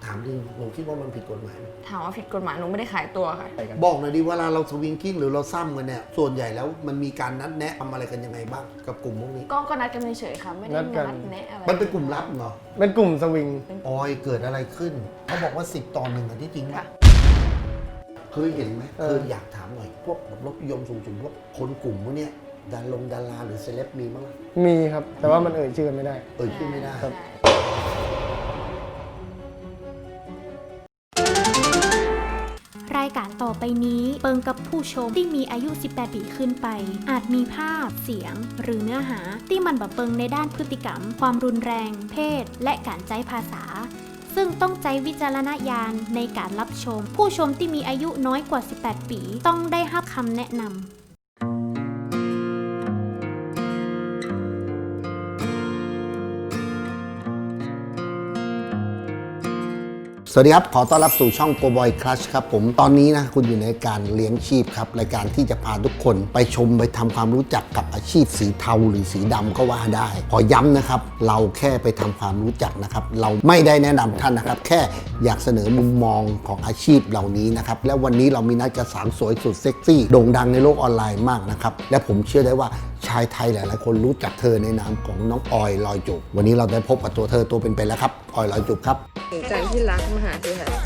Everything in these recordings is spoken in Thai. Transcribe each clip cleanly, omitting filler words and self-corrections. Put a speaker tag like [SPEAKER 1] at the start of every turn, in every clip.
[SPEAKER 1] ถามจริงหนูคิดว่ามันผิดกฎหมายไหม
[SPEAKER 2] ถามว่าผิดกฎหมายหนูไม่ได้ขายตัวค่ะ
[SPEAKER 1] บอกหน่อยดิเวลาเราสวิงกิ้งหรือเราซ้ำกันเนี่ยส่วนใหญ่แล้วมันมีการนัดแนะทำอะไรกันยังไงบ้างกับกลุ่มพวกนี้
[SPEAKER 2] ก็นัดกันเฉยๆค่ะไม่ได้
[SPEAKER 3] นัดกัน
[SPEAKER 2] นัดแนะอะไร
[SPEAKER 1] มันเป็นกลุ่มลับเหรอ
[SPEAKER 3] เป็นกลุ่มสวิง
[SPEAKER 1] ออยเกิดอะไรขึ้นเขาบอกว่า10 ต่อ 1อันที่จริงไหม
[SPEAKER 2] ค่ะ
[SPEAKER 1] เคยเห็นไหมเคยอยากถามหน่อยพวกรถนิยมสูงๆพวกคนกลุ่มพวกเนี้ยดาราหรือเซเลบมีบ้างไหม
[SPEAKER 3] มีครับ แต่ว่ามันเอ่ยชื่อกันไม่ได้
[SPEAKER 1] ชื่อไม่ได้
[SPEAKER 3] ครับ
[SPEAKER 4] รายการต่อไปนี้เปิงกับผู้ชมที่มีอายุ 18 ปีขึ้นไป อาจมีภาพ เสียง หรือเนื้อหาที่มันบ่เปิงในด้านพฤติกรรม ความรุนแรง เพศ และการใช้ภาษา ซึ่งต้องใจวิจารณญาณในการรับชม ผู้ชมที่มีอายุน้อยกว่า 18 ปีต้องได้รับคำแนะนำ
[SPEAKER 1] สวัสดีครับขอต้อนรับสู่ช่อง Go Boy Crush ครับผมตอนนี้นะคุณอยู่ในการเลี้ยงชีพครับรายการที่จะพาทุกคนไปชมไปทำความรู้จักกับอาชีพสีเทาหรือสีดำก็ว่าได้ขอย้ำนะครับเราแค่ไปทำความรู้จักนะครับเราไม่ได้แนะนำท่านนะครับแค่อยากเสนอมุมมองของอาชีพเหล่านี้นะครับและวันนี้เรามีนัดกับสาวสวยสุดเซ็กซี่โด่งดังในโลกออนไลน์มากนะครับและผมเชื่อได้ว่าชายไทยหลายๆคนรู้จักเธอในนามของน้องออยลอยจูบวันนี้เราได้พบกับตัวเธอตัวเป็นๆแล้วครับออยลอยจูบครับ
[SPEAKER 2] ใจที่รักมาหาสิค่ะ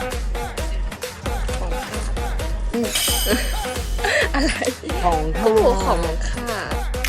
[SPEAKER 2] ของข้าอะไร
[SPEAKER 3] ของ
[SPEAKER 2] โอ้โหของข้า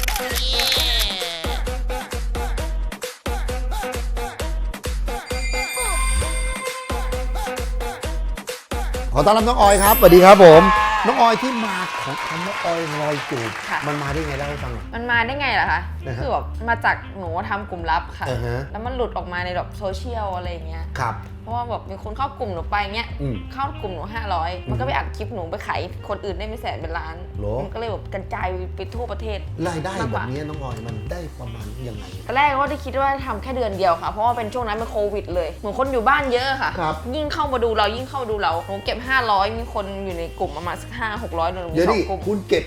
[SPEAKER 1] ขอต้อนรับน้องออยครับสวัสดีครับผมน้องออยที่มาของคำว่าออยลอยจูบมันมาได้ไงเล่าให้ฟังหน่อย
[SPEAKER 2] มันมาได้ไงล่ะคะ
[SPEAKER 1] นะฮะ
[SPEAKER 2] คือแบบมาจากหนูทำกลุ่มลับค่ะ
[SPEAKER 1] อ่าฮะ
[SPEAKER 2] แล้วมันหลุดออกมาในแบบโซเชียลอะไรอย่างเงี้ย
[SPEAKER 1] ครับ
[SPEAKER 2] เพราะว่าแบบมีคนเข้ากลุ่มหนูไปเงี้ย
[SPEAKER 1] อืม
[SPEAKER 2] เข้ากลุ่มหนู500มันก็ไปอัดคลิปหนูไปขายคนอื่นได้ไม่แสนเป็นล้าน
[SPEAKER 1] โหรอ
[SPEAKER 2] มันก็เลยแบบกระจายไปทั่วประเทศ
[SPEAKER 1] รายได้
[SPEAKER 2] มาก
[SPEAKER 1] แบ
[SPEAKER 2] กว่า
[SPEAKER 1] บนี้น้องออยมันได้ประมาณยังไง
[SPEAKER 2] ตอนแรกก็ได้คิดว่าทำแค่เดือนเดียวค่ะ เพราะว่าเป็นช่วงนั้นเป็นโควิดเลยเหมือนคนอยู่บ้านเยอะค่ะ
[SPEAKER 1] ครับ
[SPEAKER 2] ยิ่งเข้ามาดูเรายิ่งเข้ามาดูเราหนูเก็บ500มีคนอยู่ในกลุ่มประมาณสัก500-600หนูมี
[SPEAKER 1] เดี๋ยว
[SPEAKER 2] สอ
[SPEAKER 1] ดิ
[SPEAKER 2] งกลุ่ม
[SPEAKER 1] คุณเก็บ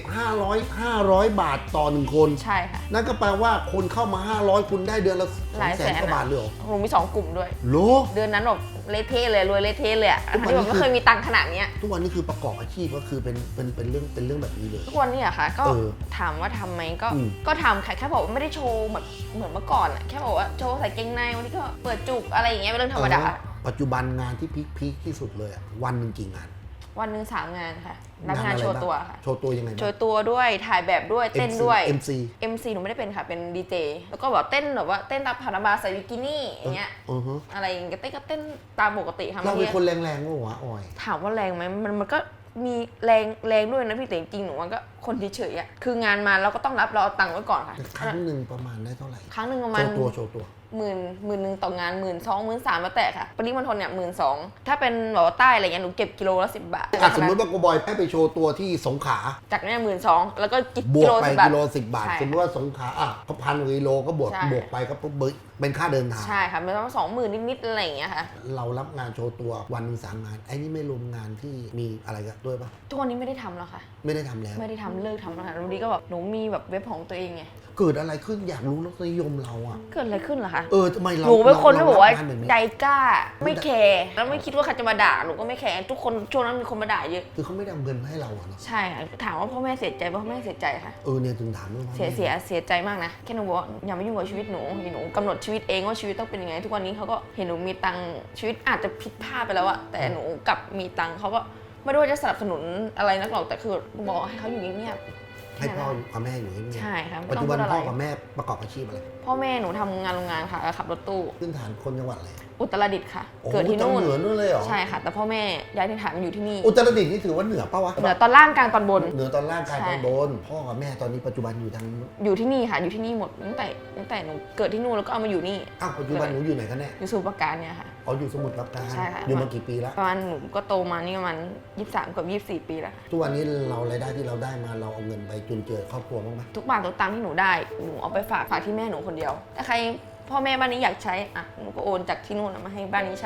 [SPEAKER 1] 500 บาทต่อ1คน
[SPEAKER 2] ใช่ค่ะ
[SPEAKER 1] นั่นก็แปลว่าคนเข้ามา500คุณได้เดือนละ
[SPEAKER 2] หลายแสน
[SPEAKER 1] 200,000 กว่าบาทเลยเหรอ
[SPEAKER 2] หนูมี2กลุ่มด้วย
[SPEAKER 1] โหร
[SPEAKER 2] เดือนนั้นแบบเละเทะเลยรวยเละเทะเลยอะ
[SPEAKER 1] ทุกวัน
[SPEAKER 2] ที่
[SPEAKER 1] นี้
[SPEAKER 2] แบบไม่เคยมีตังค์ขนาดเนี้ย
[SPEAKER 1] ทุกวันนี้คือประกอบอาชีพก็คือเป็นเรื่องแบบนี้เลย
[SPEAKER 2] ทุกวันนี้อะค่ะ ก็
[SPEAKER 1] เออ
[SPEAKER 2] ถามว่าทำไหมก็
[SPEAKER 1] อืม
[SPEAKER 2] ก็ทำค่ะแค่บอกว่าไม่ได้โชว์แบบเหมือนเมื่อก่อนอะแค่บอกว่าโชว์ใส่เกงในวันนี้ก็เปิดจุกอะไรอย่างเงี้ยเป็นเรื่องธรรมดา
[SPEAKER 1] ปัจจุบันงานที่พีคที่สุดเลยอะวันหนึ่งกี่งาน
[SPEAKER 2] วันหนึ่ง3 งานค่ะรับงานโชว์ตัวค่ะ
[SPEAKER 1] โชว์ตัวยังไง
[SPEAKER 2] โช
[SPEAKER 1] บ้าง
[SPEAKER 2] ว์ตัวด้วยถ่ายแบบด้วยเต้นด้วย
[SPEAKER 1] MC
[SPEAKER 2] MC หนูไม่ได้เป็นค่ะเป็นดีเจแล้วก็แบบเต้นแบบว่าเต้นตามผ่านบาร์ใส่บิกินี่อย่างเงี้ย
[SPEAKER 1] ฮะ
[SPEAKER 2] อะไรอย่างเงี้ยเต้นก็เต้นตามปกติค่ะ
[SPEAKER 1] เรา
[SPEAKER 2] บาง
[SPEAKER 1] เป็น
[SPEAKER 2] ที
[SPEAKER 1] คนแรงๆว่าวะออย
[SPEAKER 2] ถามว่าแรงไหมมันก็มีแรงด้วยนะพี่แต่จริงๆหนูมันก็คนเฉยๆอ่ะคืองานมาเราก็ต้องรับเราเอาตังค์ไว้ก่อนค่ะ
[SPEAKER 1] ครั้งหนึ่งประมาณได้เท่าไหร่
[SPEAKER 2] ครั้งหนึ่งประมาณ
[SPEAKER 1] โชว์ตัว
[SPEAKER 2] หมื่นหนึ่งต่องาน12,000 13,000แล้วแต่ค่ะปริมณฑลเนี่ย12,000ถ้าเป็นแบบว่าใต้อะไรเงี้ยหนูเก็บกิโลละ10 บาท
[SPEAKER 1] สมมติว่าโกบอยให้ไปโชว์ตัวที่สงขลา
[SPEAKER 2] จากเนี่ย12,000แล้วก็
[SPEAKER 1] บ
[SPEAKER 2] กิ
[SPEAKER 1] วก
[SPEAKER 2] โล
[SPEAKER 1] ไป
[SPEAKER 2] 10 บาท
[SPEAKER 1] กิโล10 บาท
[SPEAKER 2] ใช่
[SPEAKER 1] สมมติว่าสงขลาก็1,000 กิโลก็บวก
[SPEAKER 2] ใช่
[SPEAKER 1] ไปก็ปุ๊บเป็นค่าเดินทาง
[SPEAKER 2] ใช่ค่ะมันต้อง20,000นิดๆอะไรอย่างเงี้ยค่ะ
[SPEAKER 1] เรารับงานโชว์ตัววันหนึ่ง3 งานไอ้นี่ไม่รวมงานที่มีอะไรกันด้วยปะ
[SPEAKER 2] ทุกวันนี้ไม่ได้ทำแล้วค่ะ
[SPEAKER 1] ไม่ได้ทำแล้ว
[SPEAKER 2] ไม่ได้ทำเลิกทำแล้วค่ะวันนี้ก็แบบหนูมีแบบเว็บของตัวเองไง
[SPEAKER 1] เกิดอะไรขึ้นอยากรู้รสนิยมเราอะ
[SPEAKER 2] เกิดอะไรขึ้นเหรอคะ
[SPEAKER 1] ทำไมเรา
[SPEAKER 2] หนูเป็นคนที่บอกว่า
[SPEAKER 1] เรรับงนแบบนี้
[SPEAKER 2] ใจกล้าไม่แคร์แล้วไม่คิดว่าใครจะมาด่าหนูก็ไม่แคร์ทุกคนช่วงนั้นมีคนมาด่าเยอะ
[SPEAKER 1] คือเขาไม่ได้เอาเงินมาให้เราอะเนาะ
[SPEAKER 2] ใช่ค่ะถามว่าพ่อแม่เสียใจพ่อแม่เสียใจค่ะ
[SPEAKER 1] เนี่ยถึงถามว่า
[SPEAKER 2] เสียใจมากนะแค่หนูบอกว่าอย่ามายุ่งกับชีวิตหนูหนูกำหนดชีวิตเองว่าชีวิตต้องเป็นยังไงทุกวันนี้เขาก็เห็นหนูมีตังค์ชีวิตอาจจะผิดพลาดไปแล้วอะแต่หนูกลับมีตังค์เขาก็ไม่ได้ว่าจะสนับสนุนอะไรนักหรอกแต่คือบอกให้เขาอยู่เงียบๆ
[SPEAKER 1] ให้พ่อกับแม่อยู่เงียบๆ
[SPEAKER 2] ใช่ค่ะไม่
[SPEAKER 1] ปัจ
[SPEAKER 2] ต้อ
[SPEAKER 1] จุ
[SPEAKER 2] ง
[SPEAKER 1] บั
[SPEAKER 2] พู
[SPEAKER 1] น
[SPEAKER 2] ดอะไร
[SPEAKER 1] พ่อกับแม่ประกอบอาชีพอะไร
[SPEAKER 2] พ่อแม่หนูทำงานโรงงานค่ะขับรถตู้
[SPEAKER 1] พื้นฐานคนจังหวัดอะไร
[SPEAKER 2] อุตรดิตถ์ค่ะ
[SPEAKER 1] โอ้
[SPEAKER 2] เกิดที่นู่น
[SPEAKER 1] เหนือนู่นเลยเหรอ
[SPEAKER 2] ใช่ค่ะ แต่พ่อแม่ย้ายถิ่นฐานมาอยู่ที่นี่
[SPEAKER 1] อุตรดิตถ์นี่ถือว่าเหนือปะวะ
[SPEAKER 2] เหนือตอนล่างกลางตอนบน
[SPEAKER 1] เหนือตอนล่างกลาง
[SPEAKER 2] ใช่
[SPEAKER 1] ตอนบนพ่อกับแม่ตอนนี้ปัจจุบันอยู่ทาง
[SPEAKER 2] อยู่ที่นี่ค่ะอยู่ที่นี่หมดตั้งแต่หนูเกิดที่นู่นแล้วก็เอามาอยู่นี่
[SPEAKER 1] ปัจจุบันหนูอยู่ไหนกันแน่
[SPEAKER 2] อยู่สมุทรปราการเนี่ยค่ะ
[SPEAKER 1] อยู่สมุทรปราการ
[SPEAKER 2] ใช่ค่ะ
[SPEAKER 1] อยู่มากี่ปีแล้ว
[SPEAKER 2] ประมาณหนูก็โตมานี่ประมาณ23กับ24 ปีแล้วค่ะ
[SPEAKER 1] ทุกวันนี้เรารายได้ที่เราได้มาเราเอาเงินไปจุนเจือครอบครัวบ้างไหม
[SPEAKER 2] ทุกบาททุกตังค์ที่หนูได้หนูเอาไปฝากที่แม่หนูคนเดียวถ้าใครพ่อแม่บ้านนี้อยากใช้อ่ะหนูก็โอนจากที่นู่นมาให้บ้านนี้ใช้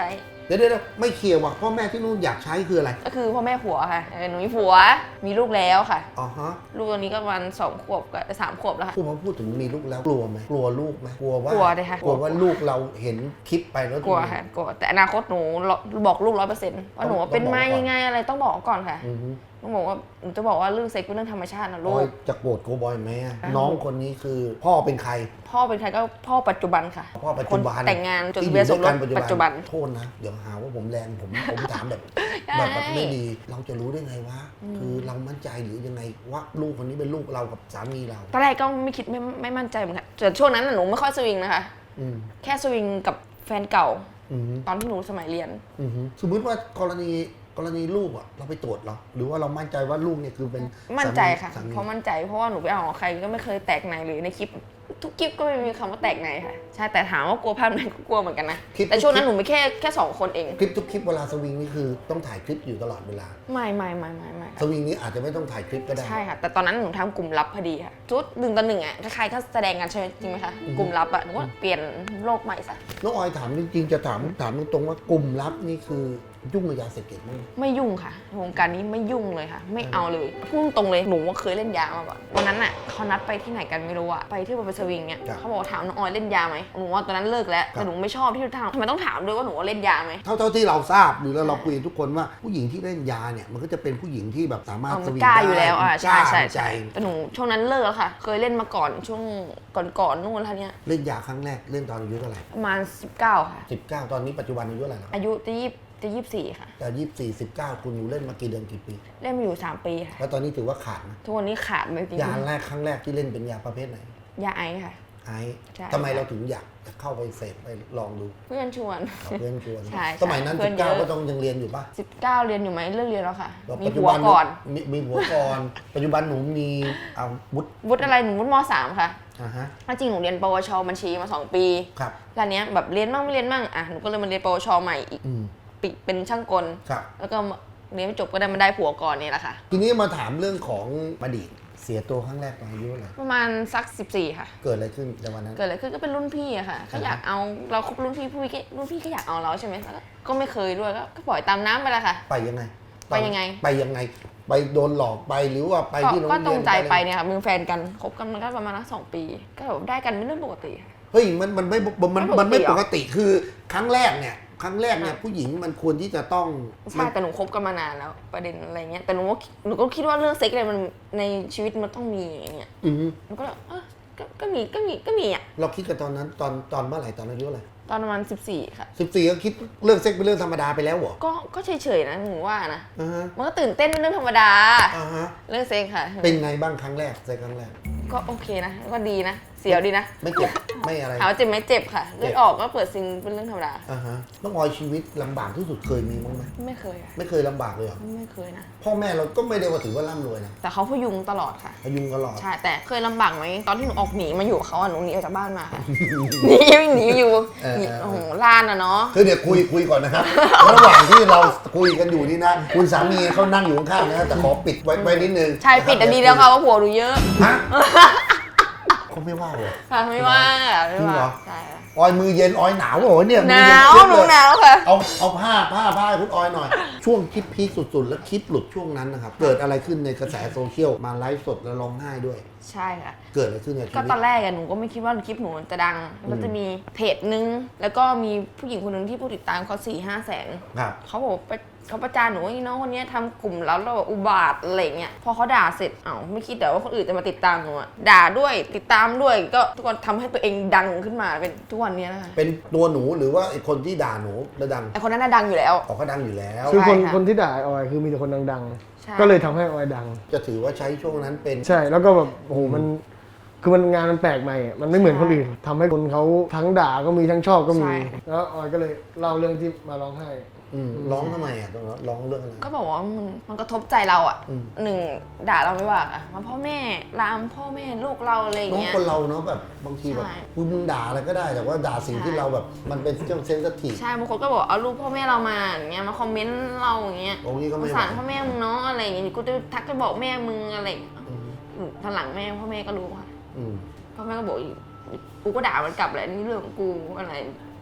[SPEAKER 1] ดี๋ยวไม่เคลียร์ว่ะพ่อแม่ที่นู่นอยากใช้คืออะไร
[SPEAKER 2] ก็คือพ่อแม่ผัวค่ะหนูมีผัวมีลูกแล้วค่ะ
[SPEAKER 1] อ๋อฮะ
[SPEAKER 2] ลูกตอนนี้ก็ประมาณ2 ขวบกับ3 ขวบแล้วค่ะ
[SPEAKER 1] พูดถึงมีลูกแล้วกลัวไหมกลัวลูกไหมกลัวว่าก
[SPEAKER 2] ลัวเลยค่ะ
[SPEAKER 1] กลัวว่าลูกเราเห็นคลิปไปแล้ว
[SPEAKER 2] กลัวค่ะกลัวแต่อนาคตหนูบอกลูก100%ว่าหนูเป็นมายังไงอะไรต้องบอกก่อนค่ะ
[SPEAKER 1] อือฮึ
[SPEAKER 2] ต้องบอกว่าหนูจะบอกว่าเรื่องเซ็กเป็นเรื่องธรรมชาตินะ
[SPEAKER 1] อ
[SPEAKER 2] ลู
[SPEAKER 1] อย
[SPEAKER 2] ก
[SPEAKER 1] จะโกรธโกบอยไหมอะน้องคนนี้คือพ่อเป็นใคร
[SPEAKER 2] พ่อเป็นใครก็พ่อปัจจุบันค่ะ
[SPEAKER 1] พ่อปัจจุบัน
[SPEAKER 2] คนแต่งงานจดทะเบียนสมรสปัจจุบัน
[SPEAKER 1] โทษนะเดี๋ยวหาว่าผมแรงผมถามแบบ
[SPEAKER 2] ใช่
[SPEAKER 1] แบบไม่ดีเราจะรู้ได้ไงวะคือเรามั่นใจหรือยังไงว่าลูกคนนี้เป็นลูกเรากับสามีเรา
[SPEAKER 2] ตอนแรกก็ไม่คิดไม่มั่นใจเหมือนกันแต่ช่วงนั้นน่ะหนูไม่ค่อยสวิงนะคะ
[SPEAKER 1] อืม
[SPEAKER 2] แค่สวิงกับแฟนเก่า
[SPEAKER 1] อืม
[SPEAKER 2] ตอนที่หนูสมัยเรียน
[SPEAKER 1] อืมสมมติว่ากรณีลูกอะเราไปตรวจเหรอหรือว่าเรามั่นใจว่าลูกเนี่ยคือเป็น
[SPEAKER 2] มั่นใจค่ะ
[SPEAKER 1] สามี
[SPEAKER 2] เพราะมั่นใจเพราะว่าหนูไปเอาของใครก็ไม่เคยแตกในเลยในคลิปทุกคลิปก็ไม่มีคำว่าแตกในค่ะใช่แต่ถามว่ากลัวภาพไหนก็กลัวเหมือนกันนะแต่ช่วงนั้นหนูไม่แค่2 คนเอง
[SPEAKER 1] คลิปทุกคลิปเวลาสวิงนี่คือต้องถ่ายคลิปอยู่ตลอดเวลา
[SPEAKER 2] ไม่
[SPEAKER 1] สวิงนี้อาจจะไม่ต้องถ่ายคลิปก็ได้
[SPEAKER 2] ใช่ค่ะแต่ตอนนั้นหนูทำกลุ่มลับพอดีค่ะชุด1 ต่อ 1อ่ะใครๆก็แสดงกันใช่ไหมจริงไหมคะกลุ่มลับอ่ะหนูก็เปลี่ยนโลกใหม่ซะ
[SPEAKER 1] น้องออยถามจริงๆจะถามตรงๆว่ากลุ่มลับนี่คือยุ่งกับยาเสพติดมั้ย
[SPEAKER 2] ไม่ยุ่งค่ะวงการนี้ไม่ยุ่งเลยค่ะ ไม่เอาเลยพูดตรงเลยหนูว่าเคยเล่นยามาก่อนวันนั้นน่ะเขานัดไปที่ไหนกันไม่รู้อะไปที่ไปสวิงเนี่ยเขาบอกถามน้องออยเล่นยาไหมหนูว่าตอนนั้นเลิกแล้วแต่หนูไม่ชอบที่ถามทำไมต้องถามด้วยว่าหนูว่าเล่นยาไหม
[SPEAKER 1] เท่าที่เราทราบหรือเราคุยกับทุกคนว่าผู้หญิงที่เล่นยาเนี่ยมันก็จะเป็นผู้หญิงที่แบบสามารถส
[SPEAKER 2] มัน
[SPEAKER 1] วิง
[SPEAKER 2] กล้า
[SPEAKER 1] ได้
[SPEAKER 2] อยู่แล้วใช่ใช่
[SPEAKER 1] ใจ
[SPEAKER 2] แต่หนูช่วงนั้นเลิกแล้วค่ะ เคยเล่นมาก่อนช่วงก่อนนู่นท่านี้ย
[SPEAKER 1] เล่นยาครั้งแรกเล่นตอนอายุเท่าไหร่
[SPEAKER 2] ประมาณ19ค่ะ
[SPEAKER 1] 19 ตอนนี้ปัจจุบันอายุเท่าไหร่แล้ว
[SPEAKER 2] อายุจะ24ค่ะ
[SPEAKER 1] แต่24 19คุณอยู่เล่นมากี่เดือนกี่ปี
[SPEAKER 2] เล่นมาอยู่3 ปีค่ะ
[SPEAKER 1] แล้วตอนนี้ถือว่าขาดไหม
[SPEAKER 2] ทุกวันนี้ขาดไปจริง
[SPEAKER 1] ยาแรกครั้งแรกที่เล่นเป็นยาประเภทไหน
[SPEAKER 2] ยาไอซ์ค่ะ
[SPEAKER 1] ไอซ์
[SPEAKER 2] ใช่
[SPEAKER 1] ทำไมเราถึงอยากจะเข้าไปเสพไปลองดู
[SPEAKER 2] เพื่อนชวน
[SPEAKER 1] เอาเพื่อนชวน
[SPEAKER 2] ใช่
[SPEAKER 1] สมัยนั้น
[SPEAKER 2] เพื่อนเยอะ
[SPEAKER 1] 19ก็ต้องยังเรียนอยู่ปะ
[SPEAKER 2] 19เรียนอยู่ไหมเลิกเรียนแล้วค่ะ มี
[SPEAKER 1] ปัจจุ
[SPEAKER 2] ผัว
[SPEAKER 1] บัน
[SPEAKER 2] ก่อน
[SPEAKER 1] มีผัวก่อน ปัจจุบันหนูมีอาวุธ
[SPEAKER 2] วุฒิอะไรหนูวุฒิม.3 ค่ะ
[SPEAKER 1] ฮะ
[SPEAKER 2] ถ้าจริงหนูเรียนปวชบัญชีมา2 ปี
[SPEAKER 1] ครับ
[SPEAKER 2] แล้วเนี้ยแบบเรียนบ้างไม่เรียนบ้างอ่ะหนูก็เลยมาเรียนปวชใหม่อีก
[SPEAKER 1] อืม
[SPEAKER 2] ปีเป็นช่างกล
[SPEAKER 1] ครับ
[SPEAKER 2] แล้วก็เรียนไม่จบก็ได้มาได้ผัวก่อนนี่แหละค่ะ
[SPEAKER 1] ทีนี้มาถามเรื่องของอดีตเสียตัวครั้งแรกตอนอายุเท่าไหร่
[SPEAKER 2] ประมาณสัก14ค่ะ
[SPEAKER 1] เกิดอะไรขึ้นในวันนั้น
[SPEAKER 2] เกิดอะไรขึ้นก็เป็นรุ่นพี่อะค่ะก็อยากเอาเราคบรุ่นพี่รุ่นพี่ก็อยากเอาเราใช่ไหมแล้วก็ไม่เคยด้วยก็ปล่อยตามน้ำไปละค่ะ
[SPEAKER 1] ไปยังไง
[SPEAKER 2] ไปยังไง
[SPEAKER 1] ไปยังไง ไปโดนหลอกไปหรือว่าไปที่โรง
[SPEAKER 2] ก็
[SPEAKER 1] เรียน
[SPEAKER 2] ตรงใจไปเนี่ยค่ะมึงแฟนกันคบกันมันก็ประมาณ2 ปี ก็แบบได้กันเป็นเรื่องปกติค่ะ
[SPEAKER 1] เฮ้ยมันไม่ปกติคือครั้งแรกเนี่ยผู้หญิงมันควรที่จะต้อง
[SPEAKER 2] ใช่แต่หนูคบกันมานานแล้วประเด็นอะไรเงี้ยแต่หนูก็คิดว่าเรื่องเซ็กอะไรมันในชีวิตมันต้องมีอย่างเงี้ย
[SPEAKER 1] อือฮึ
[SPEAKER 2] หนูก็เลยก็มีอ่ะ
[SPEAKER 1] เราคิดกันตอนนั้นตอนเมื่อไหร่ตอนอายุเท่าไหร่
[SPEAKER 2] ตอนประมาณ14ค่ะ
[SPEAKER 1] 14ก็คิดเรื่องเซ็กเป็นเรื่องธรรมดาไปแล้วเหรอ
[SPEAKER 2] ก็เฉยๆนะหนูว่านะ
[SPEAKER 1] อ่าฮะ
[SPEAKER 2] มันก็ตื่นเต้นเป็นเรื่องธรรมดา
[SPEAKER 1] อ่าฮะ
[SPEAKER 2] เรื่องเซ็กค่ะ
[SPEAKER 1] เป็นไงบ้างครั้งแรกเซ็กครั้งแรก
[SPEAKER 2] ก็โอเคนะก็ดีนะเสียวดีนะ
[SPEAKER 1] ไม่เจ็บไม่อะไร
[SPEAKER 2] ถามว่าเจ็บไหมเจ็บค่ะเลือดออกก็เปิดซิงเป็นเรื่องธรรมดา
[SPEAKER 1] อ่าฮะต้องออยชีวิตลำบากที่สุดเคยมีบ้างไหม
[SPEAKER 2] ไม่เคยค่ะ
[SPEAKER 1] ไม่เคยลำบากเลยเหรอ
[SPEAKER 2] ไม่เคยนะ
[SPEAKER 1] พ่อแม่เราก็ไม่ได้ว่าถือว่าร่ำรวยนะ
[SPEAKER 2] แต่เขาพยุงตลอดค่ะ
[SPEAKER 1] พยุงตลอด
[SPEAKER 2] ใช่แต่เคยลำบากไหมตอนที่หนูออกหนีมาอยู่กับเขาอะหนูหนีออกจากบ้านมาค่ะ หนีอยู่หนีโอ้โหล้านอะเนาะ
[SPEAKER 1] คือเดี๋ยวคุยก่อนนะครับ ระหว่างที่เราคุยกันอยู่นี่นะ คุณสามีเขานั่งอยู่ข้างๆนะแต่ขอปิดไว้นิดนึง
[SPEAKER 2] ใช่ปิดอันดีแล้วค่ะว่าผัวหนูเยอะ
[SPEAKER 1] ฮะเขาไม่ว่าเลย
[SPEAKER 2] ค่ะไม่ว่าไม่
[SPEAKER 1] จริงเหร
[SPEAKER 2] ว่า
[SPEAKER 1] อ
[SPEAKER 2] ใช่ค่ะ
[SPEAKER 1] ออยมือเย็นออยหนาวเหรอเนี่ย
[SPEAKER 2] ห
[SPEAKER 1] มือ
[SPEAKER 2] นา
[SPEAKER 1] เย็
[SPEAKER 2] ว
[SPEAKER 1] เจี๊ยบ
[SPEAKER 2] หนู
[SPEAKER 1] เลย
[SPEAKER 2] หนาวค่ะ
[SPEAKER 1] เอาผ้าให้คุณออยหน่อย ช่วงคลิปพีคสุดๆ แล้วคลิปหลุดช่วงนั้นนะครับ เกิดอะไรขึ้นในกระแสโซเชียลมาไลฟ์สดแล้วร้องไห้ด้วย
[SPEAKER 2] ใช่ค่ะ
[SPEAKER 1] เกิดอะไรขึ้นในชี
[SPEAKER 2] ก็
[SPEAKER 1] วิต
[SPEAKER 2] ตอนแรกอะหนูก็ไม่คิดว่าคลิปหนูจะดังมันจะมีเพจนึงแล้วก็มีผู้หญิงคนหนึ่งที่ผู้ติดตามเขา4-5 แสน
[SPEAKER 1] ครับ
[SPEAKER 2] เขาบอกเขาประจานหนูว่าน้องคนนี้ทำกลุ่มแล้วเราอุบาทอะไรเงี้ยพอเขาด่าเสร็จไม่คิดแต่ว่าคนอื่นจะมาติดตามหนูอะด่าด้วยติดตามด้วยก็ทุกคนทำให้ตัวเองดังขึ้นมาเป็นทุกวันนี้นะคะ
[SPEAKER 1] เป็นตัวหนูหรือว่าไอ้คนที่ด่าหนูแล้วดัง
[SPEAKER 2] ไอคนนั้นน่ะดังอยู่แล้ว
[SPEAKER 1] ออกก็ดังอยู่แล้ว
[SPEAKER 3] คือ
[SPEAKER 2] ใช่ค่ะ
[SPEAKER 3] คนที่ด่าไอ้ออยคือมีแต่คนดัง
[SPEAKER 2] ใช่
[SPEAKER 3] ๆ ก็เลยทำให้ออยดัง
[SPEAKER 1] จะถือว่าใช้ช่วงนั้นเป็น
[SPEAKER 3] ใช่แล้วก็แบบโอ้โหมันคือมันงานมันแปลกใหม่อะมันไม่เหมือนคนอื่นทำให้คนเขาทั้งด่าก็มีทั้งชอบก็มี แล้วออยก็เลยเล่าเรื่องที่มาร้องไห้
[SPEAKER 1] ร้องทำไมอ่ะตรงนั้นร้องเรื่องอะไร
[SPEAKER 2] ก็บอกว่ามันกระทบใจเราอ่ะ
[SPEAKER 1] อืม
[SPEAKER 2] หนึ่งด่าเราไม่ว่าอะมาพ่อแม่ลามพ่อแม่ลูกเราอะไรอย่าง
[SPEAKER 1] น้อง
[SPEAKER 2] เงี้ย
[SPEAKER 1] คนเราเนาะแบบบางทีแบบ
[SPEAKER 2] ใช่
[SPEAKER 1] มึงด่าอะไรก็ได้แต่ว่าด่าสิ่งที่เราแบบมันเป็นเรื่องเซนซิทีฟ
[SPEAKER 2] ใช่บางคนก็บอกเอารูปพ่อแม่เรามาอย่างเงี้ยมาคอมเมนต์เราอย่างเงี้ย
[SPEAKER 1] โอ้นี่ก็
[SPEAKER 2] ส
[SPEAKER 1] ไม่
[SPEAKER 2] ง
[SPEAKER 1] ไหว
[SPEAKER 2] สารพ่อแม่มึงเนาะอะไรอย่างเงี้ยกูจะทักไปบอกแม่มึงอะไรอย่างเงี้ย
[SPEAKER 1] อืม
[SPEAKER 2] ทางหลังแม่พ่อแม่ก็รู้ค่ะ
[SPEAKER 1] อืม
[SPEAKER 2] พ่อแม่ก็บอกอีกกูก็ด่ามันกลับแหละนี่เรื่องของกูอะไร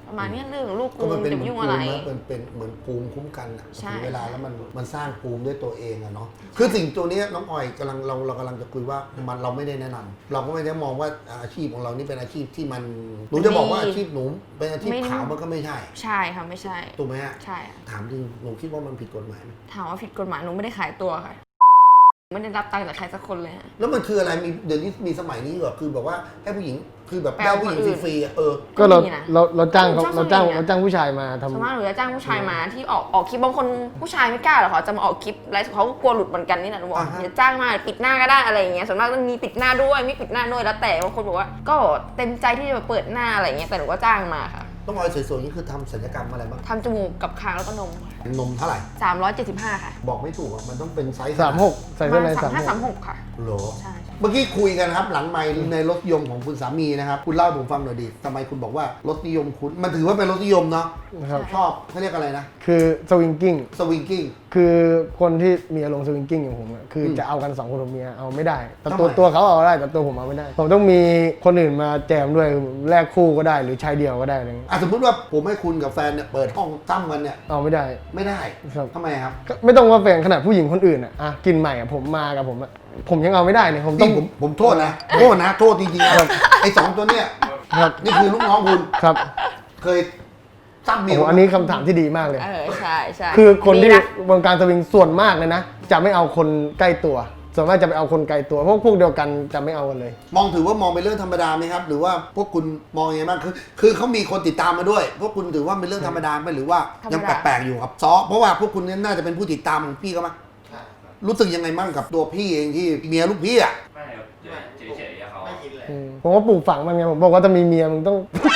[SPEAKER 2] ประมาณเนี้ยเรื่องลูก
[SPEAKER 1] ก็
[SPEAKER 2] กู
[SPEAKER 1] มันเป็น
[SPEAKER 2] จะ
[SPEAKER 1] เหมือน
[SPEAKER 2] ยุ่ง
[SPEAKER 1] ภู
[SPEAKER 2] อะไร
[SPEAKER 1] มินะมันเป็นเหมือนภูมิคุ้มกันอะ
[SPEAKER 2] ใช่
[SPEAKER 1] ถึงเวลาแล้วมันสร้างภูมิด้วยตัวเองอะเนาะคือสิ่งตัวเนี้ยน้องออยกำลังเรากำลังจะคุยว่าเราไม่ได้แนะนำเราก็ไม่ได้มองว่าอาชีพของเรานี่เป็นอาชีพที่มันหนูจะบอกว่าอาชีพหนูเป็นอาชีพขาวมันก็ไม่ใช่
[SPEAKER 2] ใช่ค่ะไม่ใช่
[SPEAKER 1] ถูกไหมฮะ
[SPEAKER 2] ใช่ค่ะ
[SPEAKER 1] ถามจริงหนูคิดว่ามันผิดกฎหมายไหม
[SPEAKER 2] ถามว่าผิดกฎหมายหนูไม่ได้ขายตัวค่ะไม่ได้รับตังค์จากใครสักคนเลยฮะ
[SPEAKER 1] แล้วมันคืออะไรมีเดี๋ยวนี้มีสมัยนี้เหรอคือแบบว่าให้ผู้หญิงคือแบบ
[SPEAKER 2] แปล
[SPEAKER 1] ได้
[SPEAKER 2] ว่า
[SPEAKER 1] ผู้หญิง
[SPEAKER 2] คนอื่น
[SPEAKER 1] ฟรีๆอะ
[SPEAKER 3] ก็เรา
[SPEAKER 2] มีนะ
[SPEAKER 3] เราจ้างเขา
[SPEAKER 2] ชอบ
[SPEAKER 3] เราจ้าง
[SPEAKER 2] สมัยอะ
[SPEAKER 3] เราจ้างผู้ชายมาทำ
[SPEAKER 2] ส่วนมากหนูจะจ้างผู้ชายมาที่ออกคลิปบางคนผู้ชายไม่กล้าหรอกค่ะจะมาออกคลิปอะไรเขาก็กลัวหลุดเหมือนกันนี่แหละหนูบอกอย่าจ้างมาปิดหน้าก็ได้อะไรอย่างเงี้ยส่วนมากต้องมีปิดหน้าด้วยไม่ปิดหน้าด้วยแล้วแต่บางคนบอกว่าก็เต็มใจที่จะมาเปิดหน้าอะไรอย่างเงี้ยแต่หนูก็จ้างมาค่ะ
[SPEAKER 1] ต้องออยสวยๆนี่คือทำศัลยกรรมอะไรบ้าง
[SPEAKER 2] ทำจมูกกับคางแล้วก็นมค่ะ
[SPEAKER 1] นมเท่าไหร่
[SPEAKER 2] 375ค่ะ
[SPEAKER 1] บอกไม่ถูกอะมันต้องเป็นไซส์
[SPEAKER 3] 36ใส่เสื้อใน
[SPEAKER 2] 3536ค่ะ
[SPEAKER 1] โหรอ
[SPEAKER 2] ใช่
[SPEAKER 1] เมื่อกี้คุยกันครับหลังไมค์ในรถยมของคุณสามีนะครับคุณเล่าให้ผมฟังหน่อยดิทำไมคุณบอกว่ารถนิยมคุณมันถือว่าเป็นรถนิยมเนาะ
[SPEAKER 3] นะครับ
[SPEAKER 1] ชอบเขาเรียกอะไรนะ
[SPEAKER 3] คือสวิงกิ้ง
[SPEAKER 1] สวิงกิ้ง
[SPEAKER 3] คือคนที่มีอารมณ์สวิงกิ้งอย่างผมอะคือจะเอากัน2คนผมเมียเอาไม่ได้แต่
[SPEAKER 1] ทำไม
[SPEAKER 3] ตัวเขาเอาได้แต่ตัวผมเอาไม่ได้ผมต้องมีคนอื่นมาแจมด้วยแลกคู่ก็ได้หรือชายเดียวก็ได้อะไรเงี้ย
[SPEAKER 1] สมมติว่าผมให้คุณกับแฟนเนี่ยเปิดห้องตั้มกันเนี่ย
[SPEAKER 3] เอาไม่ได้
[SPEAKER 1] ไม่ได้
[SPEAKER 3] ครับ
[SPEAKER 1] ทำไมครับ
[SPEAKER 3] ก็ไม่ต้องว่าแฟนขนาดผู้หญิงคนอื่นอะกินใหม่อะผมมากับผมอะผมยังเอาไม่ได้เนี่ยผมต้อ
[SPEAKER 1] นี่
[SPEAKER 3] ง
[SPEAKER 1] ผมโทษนะโทษจริงๆครับไอ้สองตัวเนี่ย
[SPEAKER 3] ครับ
[SPEAKER 1] นี่คือลูกน้องคุณ
[SPEAKER 3] ครับ
[SPEAKER 1] เคยตั้มเมี
[SPEAKER 3] โอ้
[SPEAKER 1] ย
[SPEAKER 3] โหอันนี้คำถามที่ดีมากเลย
[SPEAKER 2] ใช่ใช่
[SPEAKER 3] คือคนที่
[SPEAKER 2] ดีะ
[SPEAKER 3] วงการสวิงส่วนมากเลยนะจะไม่เอาคนใกล้ตัว ส่วนมากจะไปเอาคนไกลตัวพวกเดียวกันจะไม่เอากันเลย
[SPEAKER 1] มองถือว่ามองเป็นเรื่องธรรมดาไหมครับ หรือว่าพวกคุณมองยังไงบ้างคือเขามีคนติดตามมาด้วย พวกคุณถือว่าเป็นเรื่องธรรมดาไหมหรือว่ายังแปลกๆอยู่ครับเพราะว่าพวกคุณเนี่ยน่าจะเป็นผู้ติดตามของพี่เขามั้ยรู้สึกยังไงบ้างกับตัวพี่เองที่เมียลูกพี่อ่ะ
[SPEAKER 5] ไม่ครับเฉยๆเขา
[SPEAKER 3] ผมก็ปลูกฝังมันไงผมบอกว่าถ้ามีเมียมึงต้อง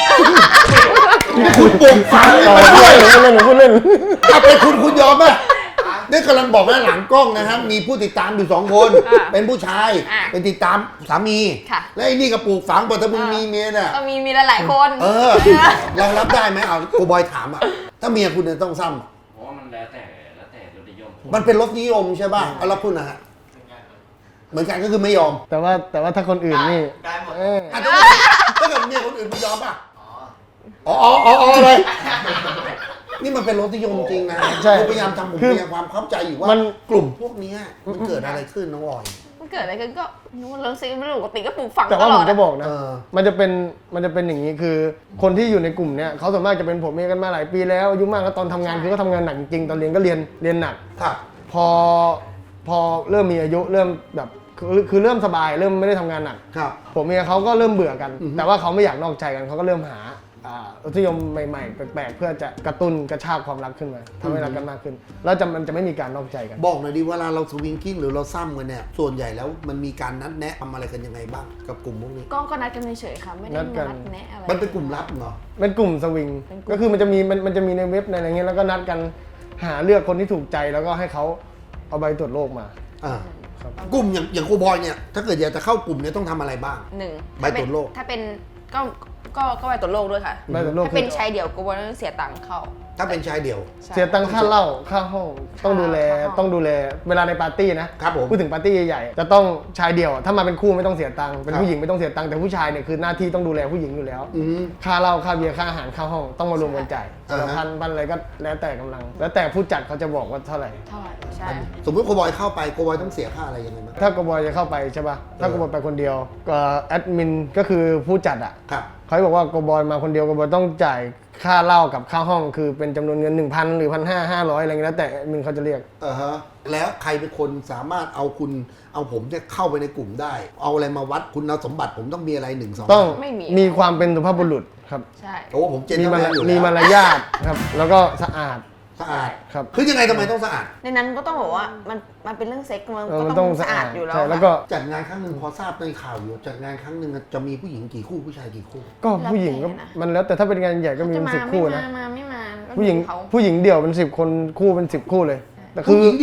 [SPEAKER 1] คุณปลูกฝัง
[SPEAKER 3] ต่อเล่นพูดเล่น
[SPEAKER 1] ถ้าเป็นคุณยอมป่ะนี่กำลังบอกว่าหลังกล้องนะครับมีผู้ติดตามอยู่2 คน เป็นผู้ชายเป็นติดตามสามี
[SPEAKER 2] ค่ะ
[SPEAKER 1] และไอ้นี่ก็ปลูกฝังบอกถ้ามึงมีเมียเนี่ย
[SPEAKER 2] ก็มีหลายๆคน
[SPEAKER 1] เรารับได้ไหมเอาโกบอยถามอ่ะถ้าเมียคุณเนี่ยต้องซ้ำอะ
[SPEAKER 5] เพราะว่ามันแล้วแต่รสนิยม
[SPEAKER 1] มันเป็นรสนิยมใช่ป่ะเอาแล้วคุณนะฮะเหมือนกันก็คือไม่ยอม
[SPEAKER 3] แต่ว่าถ้าคนอื่นนี่
[SPEAKER 6] ได้หมด
[SPEAKER 1] อ่ะถ้าเกิดเมียคนอื่นมึงยอมป่ะอ๋อเลย นี่มันเป็นรสนิยมจริงนะ
[SPEAKER 3] ใช่
[SPEAKER 1] ผมพยายามทำผมพยายามความเข้าใจอยู่ว่า
[SPEAKER 3] มัน
[SPEAKER 1] กลุ่มพวกเนี้ยมันเกิดอะไรขึ้นน้องออย
[SPEAKER 2] มันเกิดอะไรขึ้นก็นู้นเรื่องซิไม่รู้ปกติก็ปลูกฝัง
[SPEAKER 3] แต่
[SPEAKER 2] ต
[SPEAKER 3] ว่า
[SPEAKER 2] ล
[SPEAKER 3] ผ
[SPEAKER 2] อ
[SPEAKER 3] ม
[SPEAKER 2] ด
[SPEAKER 3] จะบอกนะ
[SPEAKER 1] เออ
[SPEAKER 3] มันจะเป็นอย่างนี้คือคนที่อยู่ในกลุ่มเนี้ยเขาส่วนมากจะเป็นผมเองกันมาหลายปีแล้วอายุมากแล้วตอนทำงานคือก็ทำงานหนักจริงๆตอนเรียนก็เรียนหนัก
[SPEAKER 1] ครับ
[SPEAKER 3] พอเริ่มมีอายุเริ่มแบบคือเริ่มสบายเริ่มไม่ได้ทำงานหนัก
[SPEAKER 1] ครับ
[SPEAKER 3] ผมเมียเขาก็เริ่มเบื่อกัน
[SPEAKER 1] อือฮึ
[SPEAKER 3] แต่ว่าเขาไม่อยากนอกใจกันเขาก็เริ่มหารสนิยมใหม่ๆแปลกๆเพื่อจะกระตุ้นกระชากความรักขึ้นมาทำให้รักกันมากขึ้น แล้วมันจะไม่มีการนอกใจกัน
[SPEAKER 1] บอกหน่อยดิเวลาเราสวิงกิ้งหรือเราซ้ำกันเนี่ยส่วนใหญ่แล้วมันมีการนัดแนะทำอะไรกันยังไงบ้างกับกลุ่มพวกนี้
[SPEAKER 2] ก็นัดกันเฉยๆค่ะไม่ได้
[SPEAKER 3] นัดกั
[SPEAKER 2] มาน นัดแนะอะไร
[SPEAKER 1] มันเป็นกลุ่มลับเหรอ
[SPEAKER 3] เป็นกลุ่มสวิง
[SPEAKER 2] เป็นกลุ่ม
[SPEAKER 3] ก็คือมันจะมีในเว็บในอะไรเงี้ยแล้วก็นัดกันหาเลือกคนที่ถูกใจแล้วก็ให้เขาเอาใบตรวจโรคมา
[SPEAKER 1] อ่า
[SPEAKER 3] ครับ
[SPEAKER 1] กลุ่มอย่างโกบอยเนี่ยถ้าเกิดอยากจะเข้ากลุ่มเนี่ยต้องทำอะไรบ้าง
[SPEAKER 2] หนึ่ง
[SPEAKER 1] ใบตรวจโรค
[SPEAKER 2] ถ้าเป็นก็ใบตรวจโรคด้วยค่ะ
[SPEAKER 3] ใบตรวจโรค
[SPEAKER 2] ถ้า
[SPEAKER 3] คื
[SPEAKER 2] เป็น
[SPEAKER 3] อ
[SPEAKER 2] ชายเดี่ยวก็ว่าต้องเสียตังค์เข้า
[SPEAKER 1] ถ้าเป็นชายเดี่ยว
[SPEAKER 2] ใช่
[SPEAKER 3] เสียตังค่าเหล้าค่าห้องต้องดูแล
[SPEAKER 2] ค่าห้อง
[SPEAKER 3] ต้องดูแลเวลาในปาร์ตี้นะครับ
[SPEAKER 1] ผม
[SPEAKER 3] พูดถึงปาร์ตี้ใหญ่ๆจะต้องชายเดี่ยวถ้ามาเป็นคู่ไม่ต้องเสียตังค์เป็น
[SPEAKER 1] ครับ
[SPEAKER 3] ผู้หญิงไม่ต้องเสียตังค์แต่ผู้ชายเนี่ยคือหน้าที่ต้องดูแลผู้หญิงอยู่แล้ว
[SPEAKER 1] อืม
[SPEAKER 3] ค่าเหล้าค่าเบียร์ค่าอาหารค่าห้องต้องมารวมกันจ่าย
[SPEAKER 1] อ่าฮะ
[SPEAKER 3] พันอะไรก็แล้วแต่กำลัง แล้วแต่ผู้จัดเขาจะบอกว่าเท่าไหร่
[SPEAKER 2] เท่าไหร่ใช่
[SPEAKER 1] สมมติโกบอยเข้าไปโกบอยต้องเสียค่าอะไรยังไงบ้าง
[SPEAKER 3] ถ้ากบอยจะเข้าไปใช่ป่ะถ้ากบอยไปคนเดียวก็แอดมินก็คือผู้จัดอ่ะ
[SPEAKER 1] ครับ
[SPEAKER 3] เขาบอกว่ากบอยมาคนเดียวกบอยต้องจ่ายค่าเหล้ากับค่าห้องคือเป็นจำนวนเงิน 1,000 หรือ 1,500 อะไรเงี้ยแล้วแต่แอดมินเขาจะเรียก
[SPEAKER 1] ฮะแล้วใครเป็นคนสามารถเอาผมเนี่ยเข้าไปในกลุ่มได้ เอาอะไรมาวัดคุณสมบัติผมต้องมีอะไร1 2
[SPEAKER 3] ต้อง
[SPEAKER 2] ไม่มี
[SPEAKER 3] มีความเป็นสุภาพบุรุษครับ
[SPEAKER 2] ใช่
[SPEAKER 1] โอ้ผมเจน
[SPEAKER 3] มี
[SPEAKER 1] แมนอยู่
[SPEAKER 3] มี
[SPEAKER 1] แล้ว
[SPEAKER 3] มารยาทครับ แล้วก็สะอาด
[SPEAKER 1] สะอาด
[SPEAKER 3] ครับ
[SPEAKER 1] คือยังไงทำไมต้องสะอาด
[SPEAKER 2] ในนั้นก็ต้องบอกว่ามันเป็นเรื่องเซ็กซ์มัน
[SPEAKER 3] เออ
[SPEAKER 2] ก็
[SPEAKER 3] มัน
[SPEAKER 2] ต้
[SPEAKER 3] ต้
[SPEAKER 2] อ
[SPEAKER 3] อง ง
[SPEAKER 2] สะ
[SPEAKER 3] สะ
[SPEAKER 2] อา
[SPEAKER 3] อา
[SPEAKER 2] ด
[SPEAKER 3] ด
[SPEAKER 2] อยู่แล้ว
[SPEAKER 3] ใช่
[SPEAKER 2] ค่ะ
[SPEAKER 3] แล้วก็
[SPEAKER 1] จัดงานครั้งหนึ่งพอทราบในข่าวอยู่จัดงานครั้งหนึ่งจะมีผู้หญิงกี่คู่ผู้ชายกี่คู่
[SPEAKER 3] ก็ผู้หญิงก็มันแล้วแต่ถ้าเป็นงานใหญ่ก็มี
[SPEAKER 2] จะ
[SPEAKER 3] เป็น
[SPEAKER 2] มา
[SPEAKER 3] 10
[SPEAKER 2] ไม่
[SPEAKER 3] คู่
[SPEAKER 2] มา
[SPEAKER 3] นะ
[SPEAKER 2] ไม่มาก็
[SPEAKER 3] ผู้หญิง
[SPEAKER 2] เขา
[SPEAKER 3] เดี่ยวเป็น10 คนคู่เป็น10 คู่เลยแต่คื
[SPEAKER 1] ผู้
[SPEAKER 3] อ
[SPEAKER 1] หญิงเดียว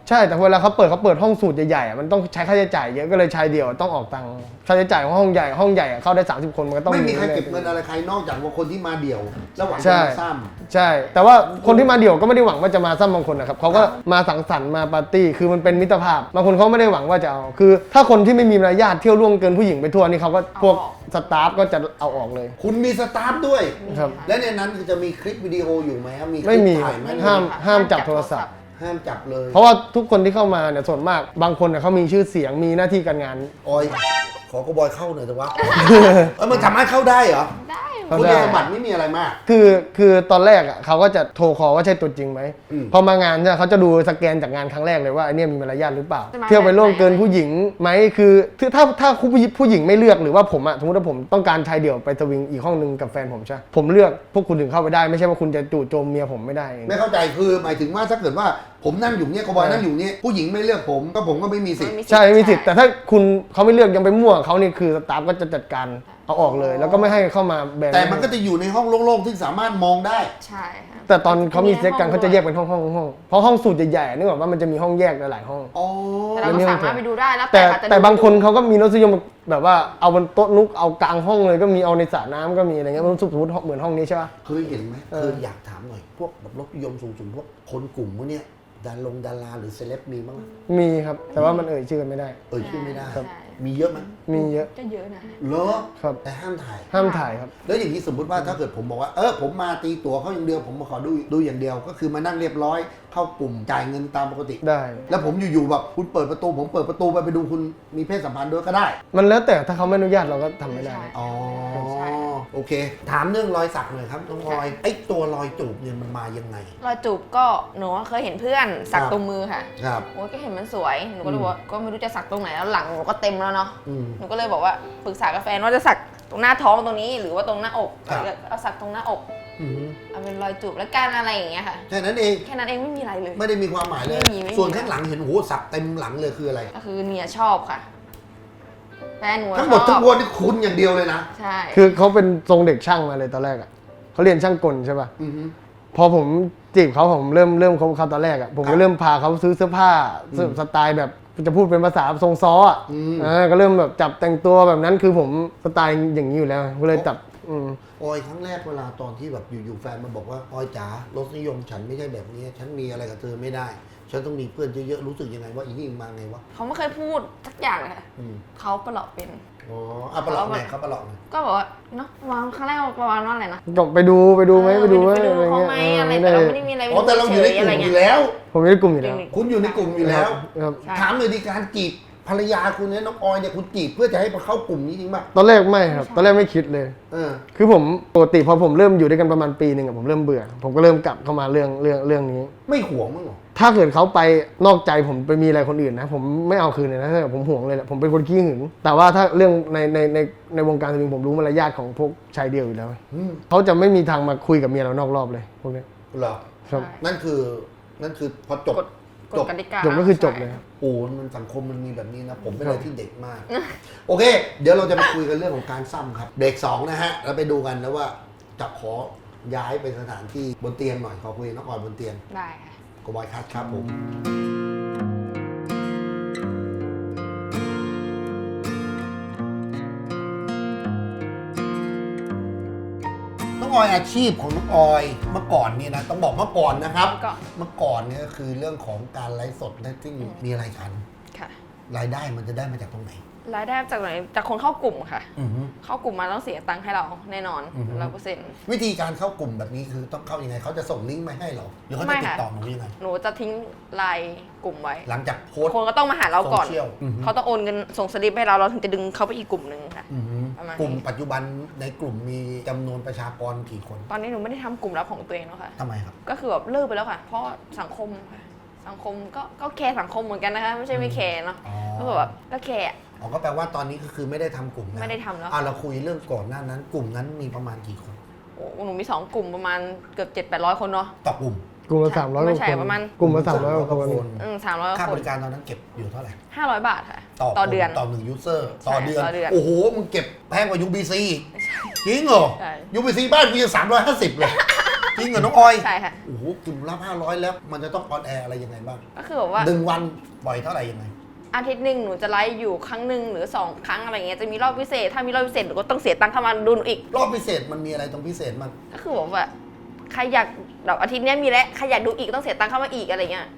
[SPEAKER 3] ใช่แต่เวลาเขาเปิดห้องสูตรใหญ่ๆมันต้องใช้ค่าใช้จ่ายเยอะก็เลยชายเดี่ยวต้องออกตังค์ค่าใช้จ่ายของห้องใหญ่เข้าได้30คนมันก็ต้อง
[SPEAKER 1] ไม่มีใครเก็บเงินอะไรใครนอกจากว่าคนที่มาเดี่ยวแล้วหวังจะ
[SPEAKER 3] ใช่
[SPEAKER 1] มาซ้
[SPEAKER 3] ใช่ แต่ว่าคนที่มาเดี่ยวก็ไม่ได้หวังว่าจะมาซ้ำบางคนนะครับเขาก็มาสังสรรค์มาปาร์ตี้คือมันเป็นมิตรภาพบางคนเขาไม่ได้หวังว่าจะเอาคือ ถ้าคนที่ไม่มีมารยาทเที่ยวล่วงเกินผู้หญิงไปทั่วนี่เขาก็พวกสตาฟก็จะเอาออกเลย
[SPEAKER 1] ำคุณมีสตาฟด้วย
[SPEAKER 3] ครับ
[SPEAKER 1] และในนั้นจะมีคลิปวิดีโออยู่ไหมครับมีคลิ
[SPEAKER 3] ไม่
[SPEAKER 1] ป
[SPEAKER 3] มี
[SPEAKER 1] ถ่ายไหม
[SPEAKER 3] ห้ามจับโทรศัพท์
[SPEAKER 1] ห้ามจับเลย
[SPEAKER 3] เพราะว่าทุกคนที่เข้ามาเนี่ยส่วนมากบางคนเนี่ยเขามีชื่อเสียงมีหน้าที่การงาน
[SPEAKER 1] ออยขอกระบอยเข้าหน่อยแต่ว่า มันสามารถเข้าได้เหรอ
[SPEAKER 2] ได้
[SPEAKER 3] เข้า
[SPEAKER 1] คุณ
[SPEAKER 3] ได้
[SPEAKER 1] สมบัติไม่มีอะไรมาก
[SPEAKER 3] คือตอนแรกอ่ะเขาก็จะโทรคอว่าใช่ตัวจริงไหม
[SPEAKER 1] อืม
[SPEAKER 3] พอมางานเนี่ยเขาจะดูสแกนจากงานครั้งแรกเลยว่าไอเนี่ยมีมารยาทหรือเปล่า
[SPEAKER 2] จะมา
[SPEAKER 3] เที่ยวไปล่วงเกิน
[SPEAKER 2] แบบไหน
[SPEAKER 3] ผู้หญิงไหมคือถ้าผู้หญิงไม่เลือกหรือว่าผมอ่ะสมมติว่าผมต้องการชายเดี่ยวไปสวิงอีกห้องนึงกับแฟนผมใช่ผมเลือกพวกคุณถึงเข้าไปได้ไม่ใช่ว่าคุณจะจู่โจมเมียผมไม่ได้
[SPEAKER 1] ไม่เข้าใจคือหมายถึงว่าถ้าเกิดว่าผมนั่งอยู่เนี่ยกระบอยนั่งอยู่เนี่ยผู้หญิงไม่เลือกผมก็ไม่มีสิทธิ์
[SPEAKER 3] ใช่ไม่มีสิทธิ์แต่ถ้าคุณเขาไม่เลือกยังไปมั่วเขานี่คือสตาฟก็จะจัดการเอาออกเลย แล้วก็ไม่ให้เข้ามาแบน
[SPEAKER 1] แต่มันก็จะอยู่ในห้องโล่งๆที่สามารถมองได้
[SPEAKER 2] ใช่ค่ะ
[SPEAKER 3] แต่ตอนเขามีเซ็กกันเขาจะแยกเป็นห้องเพราะห้องสูตรใหญ่ๆนึกออกว่ามันจะมีห้องแยกหลายๆห้อง
[SPEAKER 1] อ๋อ
[SPEAKER 2] แต่เราก็สามารถไปดูได้แล้ว
[SPEAKER 3] แต่
[SPEAKER 2] ค่ะ
[SPEAKER 3] แต่บางคนเขาก็มีรสนิยมแบบว่าเอาบนโต๊ะนุกเอากลางห้องเลยก็มีเอาในสระน้ำก็มีอะไรเงี้ยมันสมมติเหมือนห้องนี้ใช่ป่ะ
[SPEAKER 1] เคยเห็นไหมเคยอยากถามหน่อยพวกแบบรสนิยมสูงๆพวกคนกลุ่มพวกเนี้ยดาราหรือเซเลบมีบ้างไหม
[SPEAKER 3] มีครับแต่ว่ามันเอ่ยชื่อกันไม่ได้
[SPEAKER 1] ชื่อไม่ได้
[SPEAKER 2] ครับ
[SPEAKER 1] มีเยอะไหม
[SPEAKER 3] มีเยอะ
[SPEAKER 2] ก็เยอะนะ
[SPEAKER 1] เหรอ
[SPEAKER 3] ครับ
[SPEAKER 1] แต่ห้ามถ่าย
[SPEAKER 3] ห้ามถ่ายครับ
[SPEAKER 1] แล้วอย่างนี้สมมติว่าถ้าเกิดผมบอกว่าผมมาตีตั๋วเขาอย่างเดียวผมมาขอดูอย่างเดียว ก็คือมานั่งเรียบร้อยเข้ากลุ่มจ่ายเงินตามปกติ
[SPEAKER 3] ได้
[SPEAKER 1] แล้วผมอยู่ๆแบบคุณเปิดประตูผมเปิดประตูไปดูคุณมีเพศสัมพันธ์ด้วยก็ได้
[SPEAKER 3] มันแล้วแต่ถ้าเขาไม่อนุญาตเราก็ทำไม่ได้
[SPEAKER 2] ใช่
[SPEAKER 1] อ๋อ
[SPEAKER 2] ใช่
[SPEAKER 1] โอเค ถามเรื่องรอยสักหน่อยครับน้องออยไอ้ตัวรอยจูบเนี่ยมันมายังไง
[SPEAKER 2] รอยจูบก็หนูเคยเห็นเพื่อนสักตรงมือค่ะ
[SPEAKER 1] ครับ
[SPEAKER 2] โอ้ยก็เห็นมันสวยหนูก็เลยบอกว่าก็ไม่รู้จะสักตรงไหนแล้วหลังหนูก็เต็มแล้วเนาะ
[SPEAKER 1] อืม
[SPEAKER 2] หนูก็เลยบอกว่าปรึกษากับแฟนว่าจะสักตรงหน้าท้องตรงนี้หรือว่าตรงหน้าอก
[SPEAKER 1] ครับ
[SPEAKER 2] เอาสักตรงหน้าอก
[SPEAKER 1] อืม
[SPEAKER 2] เอาเป็นรอยจูบแล้วกันอะไรอย่างเงี้ยค่ะ
[SPEAKER 1] แค่นั้นเอง
[SPEAKER 2] แค่นั้นเองไม่มีอะไรเลย
[SPEAKER 1] ไม่ได้มีความหมายเลย
[SPEAKER 2] ไม่มี
[SPEAKER 1] ส่วนข้างหลังเห็นโอ้โหสักเต็มหลังเลยคืออะไร
[SPEAKER 2] ก็คือเนียชอบค่ะแฟนหนู
[SPEAKER 1] ทั้งหมด
[SPEAKER 2] ชอบ
[SPEAKER 1] ทั้งมวลนี่คุณอย่างเดียวเลยนะ
[SPEAKER 2] ใช่
[SPEAKER 3] คือเขาเป็นทรงเด็กช่างมาเลยตอนแรกอ่ะเขาเรียนช่างกลใช่ป่ะ
[SPEAKER 1] อือฮึ
[SPEAKER 3] พอผมจีบเขาผมเริ่มคบเขาตอนแรกอ่ะผม
[SPEAKER 1] ครั
[SPEAKER 3] ก็
[SPEAKER 1] บ
[SPEAKER 3] เริ่มพาเขาซื้อเสื้อผ้าสไตล์แบบจะพูดเป็นภาษาทรงซ้ออ่ะ
[SPEAKER 1] อืม
[SPEAKER 3] ก็เริ่มแบบจับแต่งตัวแบบนั้นคือผมสไตล์อย่างนี้อยู่แล้วก็เลยจับม
[SPEAKER 1] ออยครั้งแรกเวลาตอนที่แบบอยู่ๆแฟนมาบอกว่าออยจ๋ารสนิยมฉันไม่ใช่แบบนี้ฉันมีอะไรกับเธอไม่ได้ ฉันต้องมีเพื่อนเยอะๆรู้สึกยังไงว่าอีนี่มาไงวะ
[SPEAKER 2] เขาไม่เคยพูดสักอย่างเลยค่ะ
[SPEAKER 1] อืม
[SPEAKER 2] เขาประหลอดเป็น
[SPEAKER 1] อ๋อประหลอกไหนครับประหลอกไหน
[SPEAKER 2] ก็บอกว่าเนาะวางครั้งแรกประมาณว่าอะไรนะ
[SPEAKER 3] ก็ไปดูไหมไปดูไหม
[SPEAKER 2] ไปดูเขาไหมอะไรแต่เราไม่ได้มีอะไร
[SPEAKER 1] อ๋อแต่เราอยู่ในกลุ่มอยู่แล้ว
[SPEAKER 3] ผมอยู่ในกลุ่มอยู่แล้ว
[SPEAKER 1] คุณอยู่ในกลุ่มอยู่แล้ว
[SPEAKER 3] ครับ
[SPEAKER 2] ใช่
[SPEAKER 1] ถามเลยดีการจีบภรรยาคุณเนี่ยน้องออยเนี่ยคุณจีบเพื่อจะให้มาเข้ากลุ่มนี้จริงป่ะ
[SPEAKER 3] ตอนแรกไม่ครับตอนแรกไม่คิดเลย
[SPEAKER 1] เออ
[SPEAKER 3] คือผมปกติพอผมเริ่มอยู่ด้วยกันประมาณปีหนึ่งอะผมเริ่มเบื่อ ผมก็เริ่มกลับเข้ามาเรื่องนี้
[SPEAKER 1] ไม่ห่วงมั้งเหรอ
[SPEAKER 3] ถ้าเกิดเขาไปนอกใจผมไปมีอะไรคนอื่นนะผมไม่เอาคืนเลยนะถ้าเกิดผมห่วงเลยแหละผมเป็นคนขี้หึงแต่ว่าถ้าเรื่องในวงการสวิงผมรู้มารยาทของพวกชายเดียวอยู่แล้ว
[SPEAKER 1] อืม
[SPEAKER 3] เขาจะไม่มีทางมาคุยกับเมียเรานอกรอบเลยพวกเนี้ย
[SPEAKER 1] เหรอ
[SPEAKER 3] ครับ
[SPEAKER 1] นั่นคือพอจบ
[SPEAKER 2] กฎกติกา
[SPEAKER 3] จบก็คือจบเลย
[SPEAKER 2] ใช่
[SPEAKER 3] ครับ
[SPEAKER 1] โอ้มันสังคมมันมีแบบนี้นะ ผมเป็นอะไรที่เด็กมาก โอเค เดี๋ยวเราจะมาคุยกันเรื่องของการซ้ำครับเบรก2นะฮะแล้วไปดูกันนะว่าจะขอย้ายไปสถานที่บนเตียงหน่อยขอคุยกับน้องออยบนเตียง
[SPEAKER 2] ได้ค่ะ
[SPEAKER 1] กบอยคัทครับผมน้องออยอาชีพของน้องออยเมื่อก่อนเนี่ยนะต้องบอกเมื่อก่อนนะครับ เมื่อก่อนเนี่ยก็คือเรื่องของการไลฟ์สดนะซึ่งมีอะไรกัน
[SPEAKER 2] ค่ะ
[SPEAKER 1] รายได้มันจะได้มาจากตรงไหน
[SPEAKER 2] รายได้จากไหนจากคนเข้ากลุ่มค่ะ
[SPEAKER 1] อือฮึ
[SPEAKER 2] เข้ากลุ่มมาต้องเสียตังค์ให้เราแน่นอน
[SPEAKER 1] อือฮึ
[SPEAKER 2] 100%
[SPEAKER 1] วิธีการเข้ากลุ่มแบบนี้คือต้องเข้ายังไงเขาจะส่งลิงก์มาให้เหรอหรือเขาจะติดต่อหนูยังไง
[SPEAKER 2] หนูจะทิ้งไลน์กลุ่มไว้
[SPEAKER 1] หลังจากโพสต์
[SPEAKER 2] คนก็ต้องมาหาเราก่อน
[SPEAKER 1] โซเชียลอือฮึ
[SPEAKER 2] เขาต้องโอนเงินส่งสลิปให้เราถึงจะดึงเขาไปอีกกลุ่มหนึ่งค่ะ
[SPEAKER 1] อือฮึ
[SPEAKER 2] ประมาณนี้
[SPEAKER 1] กลุ่มปัจจุบันในกลุ่มมีจำนวนประชากรกี่คน
[SPEAKER 2] ตอนนี้หนูไม่ได้ทำกลุ่มลับของตัวเองแล้วค่ะ
[SPEAKER 1] ทำไมครับ
[SPEAKER 2] ก็คือแบบเลิกไปแล้วค่ะ เพราะสังคมค่ะสังคมก็แคร์สังคมเหมือนกันนะคะไม่ใช่ไม่แคร์เนาะ
[SPEAKER 1] อ๋อ
[SPEAKER 2] ก็แบบก็แคร์
[SPEAKER 1] อ๋อก็แปลว่าตอนนี้ก็คือไม่ได้ทำกลุ่มนะ
[SPEAKER 2] ไม่ได้ทำแล้ว
[SPEAKER 1] เราคุยเรื่องก่อนหน้านั้น กลุ่มนั้นมีประมาณกี่คน
[SPEAKER 2] โอ้หนูมี2กลุ่มประมาณเกือบ700-800 คนเนาะ
[SPEAKER 1] ต่อกลุ่ม
[SPEAKER 3] กลุ่มละ300
[SPEAKER 2] ไม่
[SPEAKER 3] กว่า
[SPEAKER 2] ใช่
[SPEAKER 3] คน
[SPEAKER 2] ประมาณ
[SPEAKER 3] กลุ่มละ300กว่าคน
[SPEAKER 2] 300
[SPEAKER 1] ค่า
[SPEAKER 2] ค
[SPEAKER 1] บ
[SPEAKER 2] น
[SPEAKER 1] ริการตอนนั้นเก็บอยู่เท่าไหร่
[SPEAKER 2] 500 บาทค่ะ
[SPEAKER 1] ต่
[SPEAKER 2] ต่
[SPEAKER 1] อ
[SPEAKER 2] อเดือน
[SPEAKER 1] ต่อ1ยูเซอร์
[SPEAKER 2] ใช่
[SPEAKER 1] ต่อเดือน
[SPEAKER 2] ต่อเดือน
[SPEAKER 1] โอ้โหมึงเก็บแพงกว่า UBC จริงเหรอ
[SPEAKER 2] ใช่
[SPEAKER 1] UBC บ้านกูยัง350เลยจริงเหรอน้องออย
[SPEAKER 2] ใช่ค่ะ
[SPEAKER 1] โอ้โหกลุ่มละ500แล้วมันจะต้องออนแอร์อะไรยังไงบ้าง
[SPEAKER 2] ก็คือแบบว่า
[SPEAKER 1] 1 วันปล่อยเท่าไหร่ยังไง
[SPEAKER 2] อาทิตย์หนึ่งหนูจะไลฟ์อยู่ครั้งหนึ่งหรือ2 ครั้งอะไรเงี้ยจะมีรอบพิเศษถ้ามีรอบพิเศษหนูก็ต้องเสียตังค์เข้ามาดูหนูอีก
[SPEAKER 1] รอบพิเศษมันมีอะไรตรงพิเศษบ้าง
[SPEAKER 2] ก็คือแบบว่าใครอยากแบบอาทิตย์เนี้ยมีแล้วใครอยากดูอีกต้องเสียตังค์เข้ามาอีกอะไรเงี้ย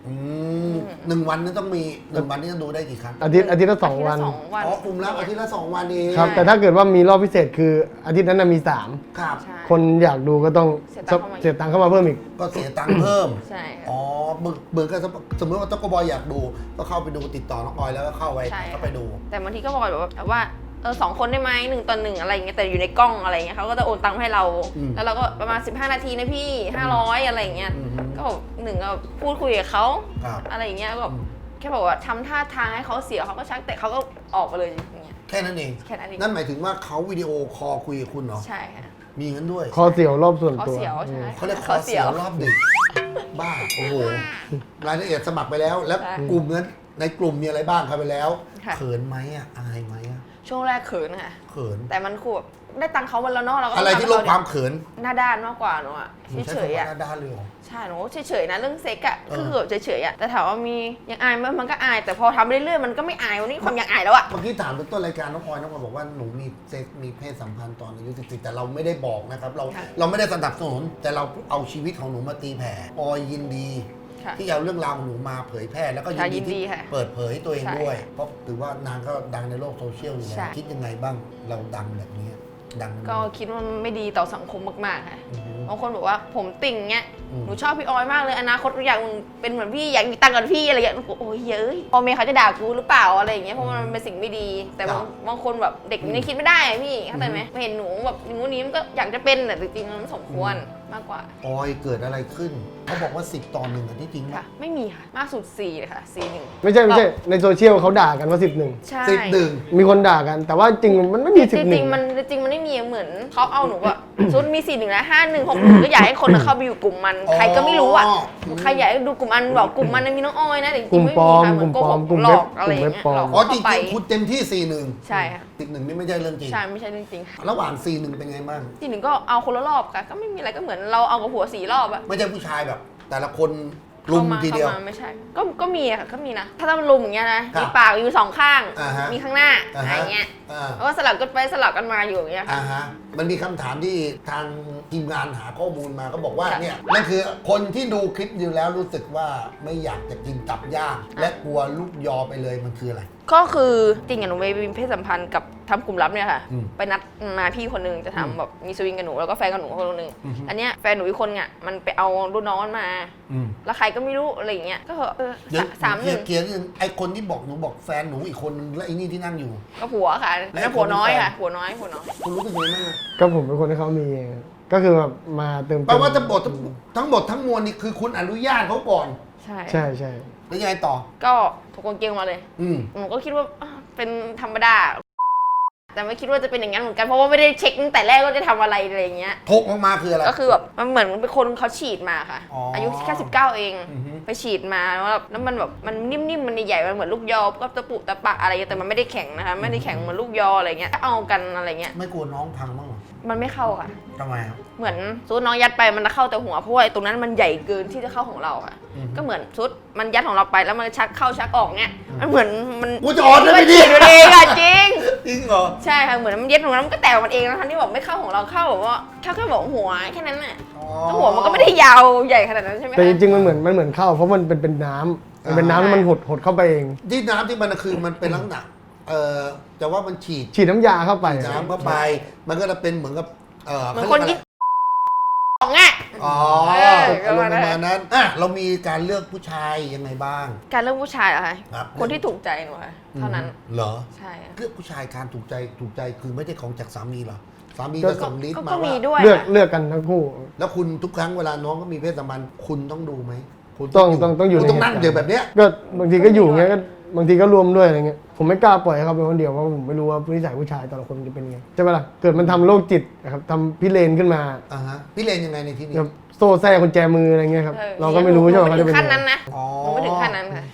[SPEAKER 1] 1 วันนี่ต้องมี1 วันนี่จะดูได้กี่ครั้ง
[SPEAKER 3] อาทิตย์ละสองวัน
[SPEAKER 2] อาทิตย์ละ2 วัน
[SPEAKER 1] อ๋อกลุ่มละอาทิตย์ละ2 วันเอง
[SPEAKER 3] ครับ แต่ถ้าเกิดว่ามีรอบพิเศษคืออาทิตย์นั้นนะมี
[SPEAKER 1] ครับ
[SPEAKER 2] ใช่
[SPEAKER 3] 3 คนอยากดูก็ต้อง
[SPEAKER 2] เสียตังค์เข้ามา
[SPEAKER 3] เสียตังค์เข้ามาเพิ่มอีก
[SPEAKER 1] ก็เสียตังค์เพิ่ม
[SPEAKER 2] ใช่ค่ะ
[SPEAKER 1] อ๋อเบิกก็สมมติว่าต๊กบอยอยากดูก็เข้าไปดูติดต่อน้องออยแล้วก็เข้าไป
[SPEAKER 2] ใช่
[SPEAKER 1] ก็ไปดู
[SPEAKER 2] แต่บางทีก็บอกแบบว่า2 คนได้ไหม1 ต่อ 1อะไรเงี้ยแต่อยู่ในกล้องอะไรเงี้ยเขาก็จะโอนตังค์ให้เรา แล้วเราก็ประมาณ15 นาทีนะพี่500อะไรเงี้ยก็บอกก็พูดคุยกับเขา
[SPEAKER 1] ครับ
[SPEAKER 2] อะไรอย่างเงี้ยก็แค่บอกว่าทำท่าทางให้เขาเสียเขาก็ชักแต่เขาก็ออกไปเลยอย่างเงี้ย
[SPEAKER 1] แค่นั้นเอง
[SPEAKER 2] แค่นั้นเอง
[SPEAKER 1] นั่นหมายถึงว่าเขาวิดีโอคอลคุยกับคุณเหรอ
[SPEAKER 2] ใช่ค่ะ
[SPEAKER 1] มีงั้นด้วย
[SPEAKER 3] คอเสียวรอบส่วน
[SPEAKER 2] เขา
[SPEAKER 3] ตัว
[SPEAKER 2] เสียวใช่ไหม
[SPEAKER 1] เขาเรียกคอเสียวรอบดึกบ้าโอ้โหรายละเอียดสมัครไปแล้ว แล้ว
[SPEAKER 2] ใช่
[SPEAKER 1] กลุ่มนั้นในกลุ่มมีอะไรบ้างครับไปแล้ว
[SPEAKER 2] ค่ะ
[SPEAKER 1] เขินไหมอ่ะอายไหมอ่ะ
[SPEAKER 2] ช่วงแรกเขินค่ะ
[SPEAKER 1] เขิน
[SPEAKER 2] แต่มันคือแบบได้ตังค์เขาวันละเนอกเราก็
[SPEAKER 1] อะไรที่ลดความเขิน
[SPEAKER 2] หน้าด้านมากกว่าหนูอะ
[SPEAKER 1] หนูใช้
[SPEAKER 2] เฉย
[SPEAKER 1] คำ
[SPEAKER 2] ๆ
[SPEAKER 1] ว่า
[SPEAKER 2] อะ
[SPEAKER 1] หน้าด้านเลยเหรอ
[SPEAKER 2] ใช่หนูเฉยๆนะเรื่องเซ็กอะ
[SPEAKER 1] เออ
[SPEAKER 2] คือแบบเฉยๆอะแต่ถามว่ามียังอายไหมมันก็อาย แต่พอทำเรื่อยๆมันก็ไม่อายวันนี้ความยังอายแล้วอะ
[SPEAKER 1] เมื่อกี้ถามต้นรายการน้องออยบอกว่าหนูมีเซ็กมีเพศสัมพันธ์ตอนอายุ14แต่เราไม่ได้บอกนะครับเราไม่ได้สนับสนุนแต่เราเอาชีวิตของหนูมาตีแผ่ออยยินดี
[SPEAKER 2] ค่ะ
[SPEAKER 1] ที่เอาเรื่องราวของหนูมาเผยแพร่แล้วก็ยิน
[SPEAKER 2] ยิ
[SPEAKER 1] ดี
[SPEAKER 2] นดี
[SPEAKER 1] ที่
[SPEAKER 2] ค่ะ
[SPEAKER 1] เปิดเผยตัวเอง
[SPEAKER 2] ใช่
[SPEAKER 1] ด้วย เพราะถือว่านางก็ดังในโลกโซเชียลอยู่แล้
[SPEAKER 2] ใช่
[SPEAKER 1] วคิดยังไงบ้างเราดังแบบนี้ดัง
[SPEAKER 2] ก็คิดว่ามันไม่ดีต่อสังคมมากๆค่ะ
[SPEAKER 1] อือฮึ
[SPEAKER 2] บางคนบอกว่าผมติ่งเงี้ย
[SPEAKER 1] อืม
[SPEAKER 2] หนูชอบพี่ออยมากเลยอนาคตอยากเป็นเหมือนพี่อยากมีตังค์กับพี่อะไรอย่างเงี้ยโอ้ยเย้ยพ่อแม่เขาจะด่ากูหรือเปล่าอะไรอย่างเงี้ยเพราะมันเป็นสิ่งไม่ดี แต่บางคนแบบเด็กมันยังคิดไม่ได้อะพี่เข้าใจไหมเห็นหนูแบบอย่างงู้นนี้มันก็อยากจะเป็นแต่จริงๆมันสมควรมากกว่า
[SPEAKER 1] ออยเกิดอะไรขึ้นเขาบอกว่า10 ต่อ 1อันที่จริง
[SPEAKER 2] ค่ะ
[SPEAKER 1] ปะ
[SPEAKER 2] ไม่มีค่ะมากสุด4เลยค่ะ4-1
[SPEAKER 3] ไม่ใช่ในโซเชียลเขาด่ากันว่า11
[SPEAKER 2] ใช่
[SPEAKER 1] 11
[SPEAKER 3] มีคนด่ากัน แต่ว่าจริงมันไม่มี
[SPEAKER 2] จริงๆมันไม่มีเหมือนเขาเอาหนูอะซุนมี4-1และ5-1-6-1ก็อยากให้คนเข้าไปอยู่กลุ่มมันใครก็ไม่รู้อะใครอยากให้ดูกลุ่มมันบอกกลุ่มมันมีน้องออยนะแต่จ
[SPEAKER 3] ก
[SPEAKER 2] ริ
[SPEAKER 3] ลุ่
[SPEAKER 2] ง
[SPEAKER 3] ม
[SPEAKER 2] ๆไม่
[SPEAKER 3] ปล
[SPEAKER 2] มี
[SPEAKER 3] อม
[SPEAKER 2] ค่ะเหมือนโกหก
[SPEAKER 3] กลุ่ม
[SPEAKER 2] หล
[SPEAKER 3] เว็
[SPEAKER 2] อบ กอะไรอย่างเงี้ย
[SPEAKER 3] ปลอม
[SPEAKER 2] หลอก
[SPEAKER 1] อ๋อจ
[SPEAKER 2] เข้าไป
[SPEAKER 1] ริงๆคุณเต็มที่ 4-1
[SPEAKER 2] ใช่ค่ะ
[SPEAKER 1] 11นี่ไม่ใช่เรื่องจริง
[SPEAKER 2] ใช่ไม่ใช่เรื่องจริง
[SPEAKER 1] ระหว่าง 4-1 เป็นไงบ้าง
[SPEAKER 2] 4-1ก็เอาคนละรอบค่ะก็ไม่มีอะไรก็เหมือนเราเอากับผัว4 รอบอะ
[SPEAKER 1] ไม่ใช่ผู้ชายแบบ แต่ละคนลุมทีเดียว
[SPEAKER 2] ข้ามาไม่ใช่ก็มีอะค่ะก็มีนะถ้ามันลุมอย่างเงี้ยนะครับ มีปากอยู่2 ข้าง
[SPEAKER 1] อ่าฮะ
[SPEAKER 2] มีข้างหน้า
[SPEAKER 1] อ่า
[SPEAKER 2] อะไร
[SPEAKER 1] ฮะ
[SPEAKER 2] เงี้ย
[SPEAKER 1] อ่า
[SPEAKER 2] แล้วก็สลับกันไปสลับกันมาอยู่อย่างเงี้ยค่ะ
[SPEAKER 1] อ่าฮะมันมีคำถามที่ทางทีมงานหาข้อมูลมาก็บอกว่า
[SPEAKER 2] ค่ะ
[SPEAKER 1] เนี่ยนั่นคือคนที่ดูคลิปอยู่แล้วรู้สึกว่าไม่อยากจะกินตับย่างและกลัวลูกยอไปเลยมันคืออะไร
[SPEAKER 2] ก็คือจริงอะหนูไปมีเพศสัมพันธ์กับทำกลุ่มลับเนี่ยค่ะ
[SPEAKER 1] อืม
[SPEAKER 2] ไปนัดมาพี่คนนึงจะทำแบบมีสวิงกับหนูแล้วก็แฟนกับหนูคนนึง
[SPEAKER 1] อือฮึ
[SPEAKER 2] อันเนี้ยแฟนหนูอีกคนเนี่ยมันไปเอารุ่นน้องมันมา
[SPEAKER 1] อืม
[SPEAKER 2] แล้วใครก็ไม่รู้อะไรอย่างเงี้ยก็
[SPEAKER 1] เดี๋ยว
[SPEAKER 2] 3-1
[SPEAKER 1] เกียร์นึงไอคนที่บอกหนูบอกแฟนหนูอีกคนนึงและไอ้นี่ที่นั่งอยู่
[SPEAKER 2] ก็ผัวค่ะ
[SPEAKER 1] และ
[SPEAKER 2] แล้วผัวน้อย
[SPEAKER 1] คนเป็นแฟน
[SPEAKER 2] ค่ะผัวน้อย
[SPEAKER 1] คุณรู้สึกยังไงบ้างอะ
[SPEAKER 3] ก็ผมเป็นคนที่เขามีเองก็คือแบบมาเติม
[SPEAKER 1] แปลว่าทั้งหมดทั้งหมดทั้งมวลนี่คือคุณอนุญาตเขาก่อน
[SPEAKER 2] ใช่
[SPEAKER 3] ใช่ใช่
[SPEAKER 1] แล้วยังไงต่อ
[SPEAKER 2] ก็ถกกางเกงมาเลย
[SPEAKER 1] อืม
[SPEAKER 2] หนูก็คิดว่าเป็นธรรมดา แต่ไม่คิดว่าจะเป็นอย่างนั้นเหมือนกันเพราะว่าไม่ได้เช็คตั้งแต่แรกว่าจะทำอะไรอะไรอย่างเงี้ย
[SPEAKER 1] ทกออกมาคืออะไร
[SPEAKER 2] ก็คือแบบมันเหมือนเป็นคนเขาฉีดมาค่ะ
[SPEAKER 1] อ๋ออ
[SPEAKER 2] อายุแค่19 เอง
[SPEAKER 1] อือฮึ
[SPEAKER 2] ไปฉีดมาแล้วมันแบบมันนิ่มๆมันใหญ่ๆมันเหมือนลูกยอก็ตะปุตะปะอะไรเงี้ยแต่มันไม่ได้แข็งนะคะไม่ได้แข็งเหมือนลูกยออะไรเงี้ยก็เอากันอะไรเงี้ย
[SPEAKER 1] ไม่กลัวน้องพังบ้างเหรอ
[SPEAKER 2] มันไม่เข้าค่ะ
[SPEAKER 1] ทำไมครับ
[SPEAKER 2] เหมือนซุดน้องยัดไปมันจะเข้าแต่หัวเพราะว่าไอ้ตรงนั้นมันใหญ่เกินที่จะเข้าของเราค่ะ
[SPEAKER 1] อือฮึ
[SPEAKER 2] ก็เหมือนซุดมันยัดของเราไปแล้วมันชักเข้าชักออกเงี้ยมันเหมือนมัน
[SPEAKER 1] กูจะออนได้ไหม
[SPEAKER 2] มัน
[SPEAKER 1] เนี่
[SPEAKER 2] ฉี
[SPEAKER 1] ย
[SPEAKER 2] ดอยู่เองอะจริง
[SPEAKER 1] จริงเหรอ
[SPEAKER 2] ใช่ค่ะเหมือนมันเย็ดของเรามันก็แตกมันเองนะคะที่บอกไม่เข้าของเราเข้าแบบว่าแค่บอกหัวแค่นั้นน่ะ
[SPEAKER 1] อ๋อ
[SPEAKER 2] แล้วหัวมันก็ไม่ได้ยาวใหญ่ขนาดนั้นใช่ไหม
[SPEAKER 3] แต่จ
[SPEAKER 2] คะ
[SPEAKER 3] ริงๆมันเหมือนเข้าเพราะมันเป็นน้ำมันเป็นน้ำแล้วมันหดเข้าไปเอง
[SPEAKER 1] ที่น้ำที่มันคือมันเป็นลักษณะจะว่ามันฉีด
[SPEAKER 3] ฉีดน้ำยาเข้าไป
[SPEAKER 1] น้ำเข้าไป มันก็จะเป็นเหมือนกับ
[SPEAKER 2] เหมือนคนยิ่งของอ่ะ
[SPEAKER 1] อ๋อ
[SPEAKER 2] เออ
[SPEAKER 1] อารมณ์ป
[SPEAKER 2] ประมาณนั้น
[SPEAKER 1] ระมาณนั้นอ่ะเรามีการเลือกผู้ชายยังไงบ้าง
[SPEAKER 2] การเลือกผู้ชายเหรอคะ
[SPEAKER 1] ครับ
[SPEAKER 2] คนที่ถูกใจหนูค่ะเท่านั้น
[SPEAKER 1] เหรอ
[SPEAKER 2] ใช่ค่ะ
[SPEAKER 1] เลือกผู้ชายการถูกใจคือไม่ได้ของจากสามีเหรอสามี
[SPEAKER 3] ก็
[SPEAKER 1] ก็ส่งลิสต์มา
[SPEAKER 2] ก็มี
[SPEAKER 1] ว่า
[SPEAKER 2] ด้วย
[SPEAKER 3] เลือก
[SPEAKER 2] ค่ะ
[SPEAKER 3] เลือกกันทั้งคู่
[SPEAKER 1] แล้วคุณทุกครั้งเวลาน้องก็มีเพศสัมพันธ์คุณต้องดูไหมคุณ
[SPEAKER 3] ต้องอยู่
[SPEAKER 1] คุณต้อง
[SPEAKER 3] ใน
[SPEAKER 1] นั่ง
[SPEAKER 3] เหตุการณ์
[SPEAKER 1] เดี๋ยวแบบเนี้ย
[SPEAKER 3] ก็บางทีก็อยู่เงี้ยก็บางทีก็รวมด้วยอะไรเงี้ยผมไม่กล้าปล่อยให้เขาเป็นคนเดียวเพราะผมไม่รู้ว่านิสัยผู้ชายแต่ละคนจะเป็นไงใช่ปะล่ะเกิดมันทำโรคจิตนะครับทำพิเรนขึ้นมา
[SPEAKER 1] อ่าฮะพี่เลนยังไงในที่นี้
[SPEAKER 3] แบบโซ่แท้กุญแจมืออะไรเงี้ยครับ
[SPEAKER 2] ออ
[SPEAKER 3] เราก็ไม่รู้ใช่ไหม
[SPEAKER 2] หนู
[SPEAKER 3] เขา
[SPEAKER 2] ไม่
[SPEAKER 3] จะ
[SPEAKER 2] ถึ
[SPEAKER 3] เป็น
[SPEAKER 2] งขั้น
[SPEAKER 3] ยังไง
[SPEAKER 2] นั้นนะ
[SPEAKER 1] อ๋อ
[SPEAKER 2] หนูไม่ถึงขั้นนั้นค่ะ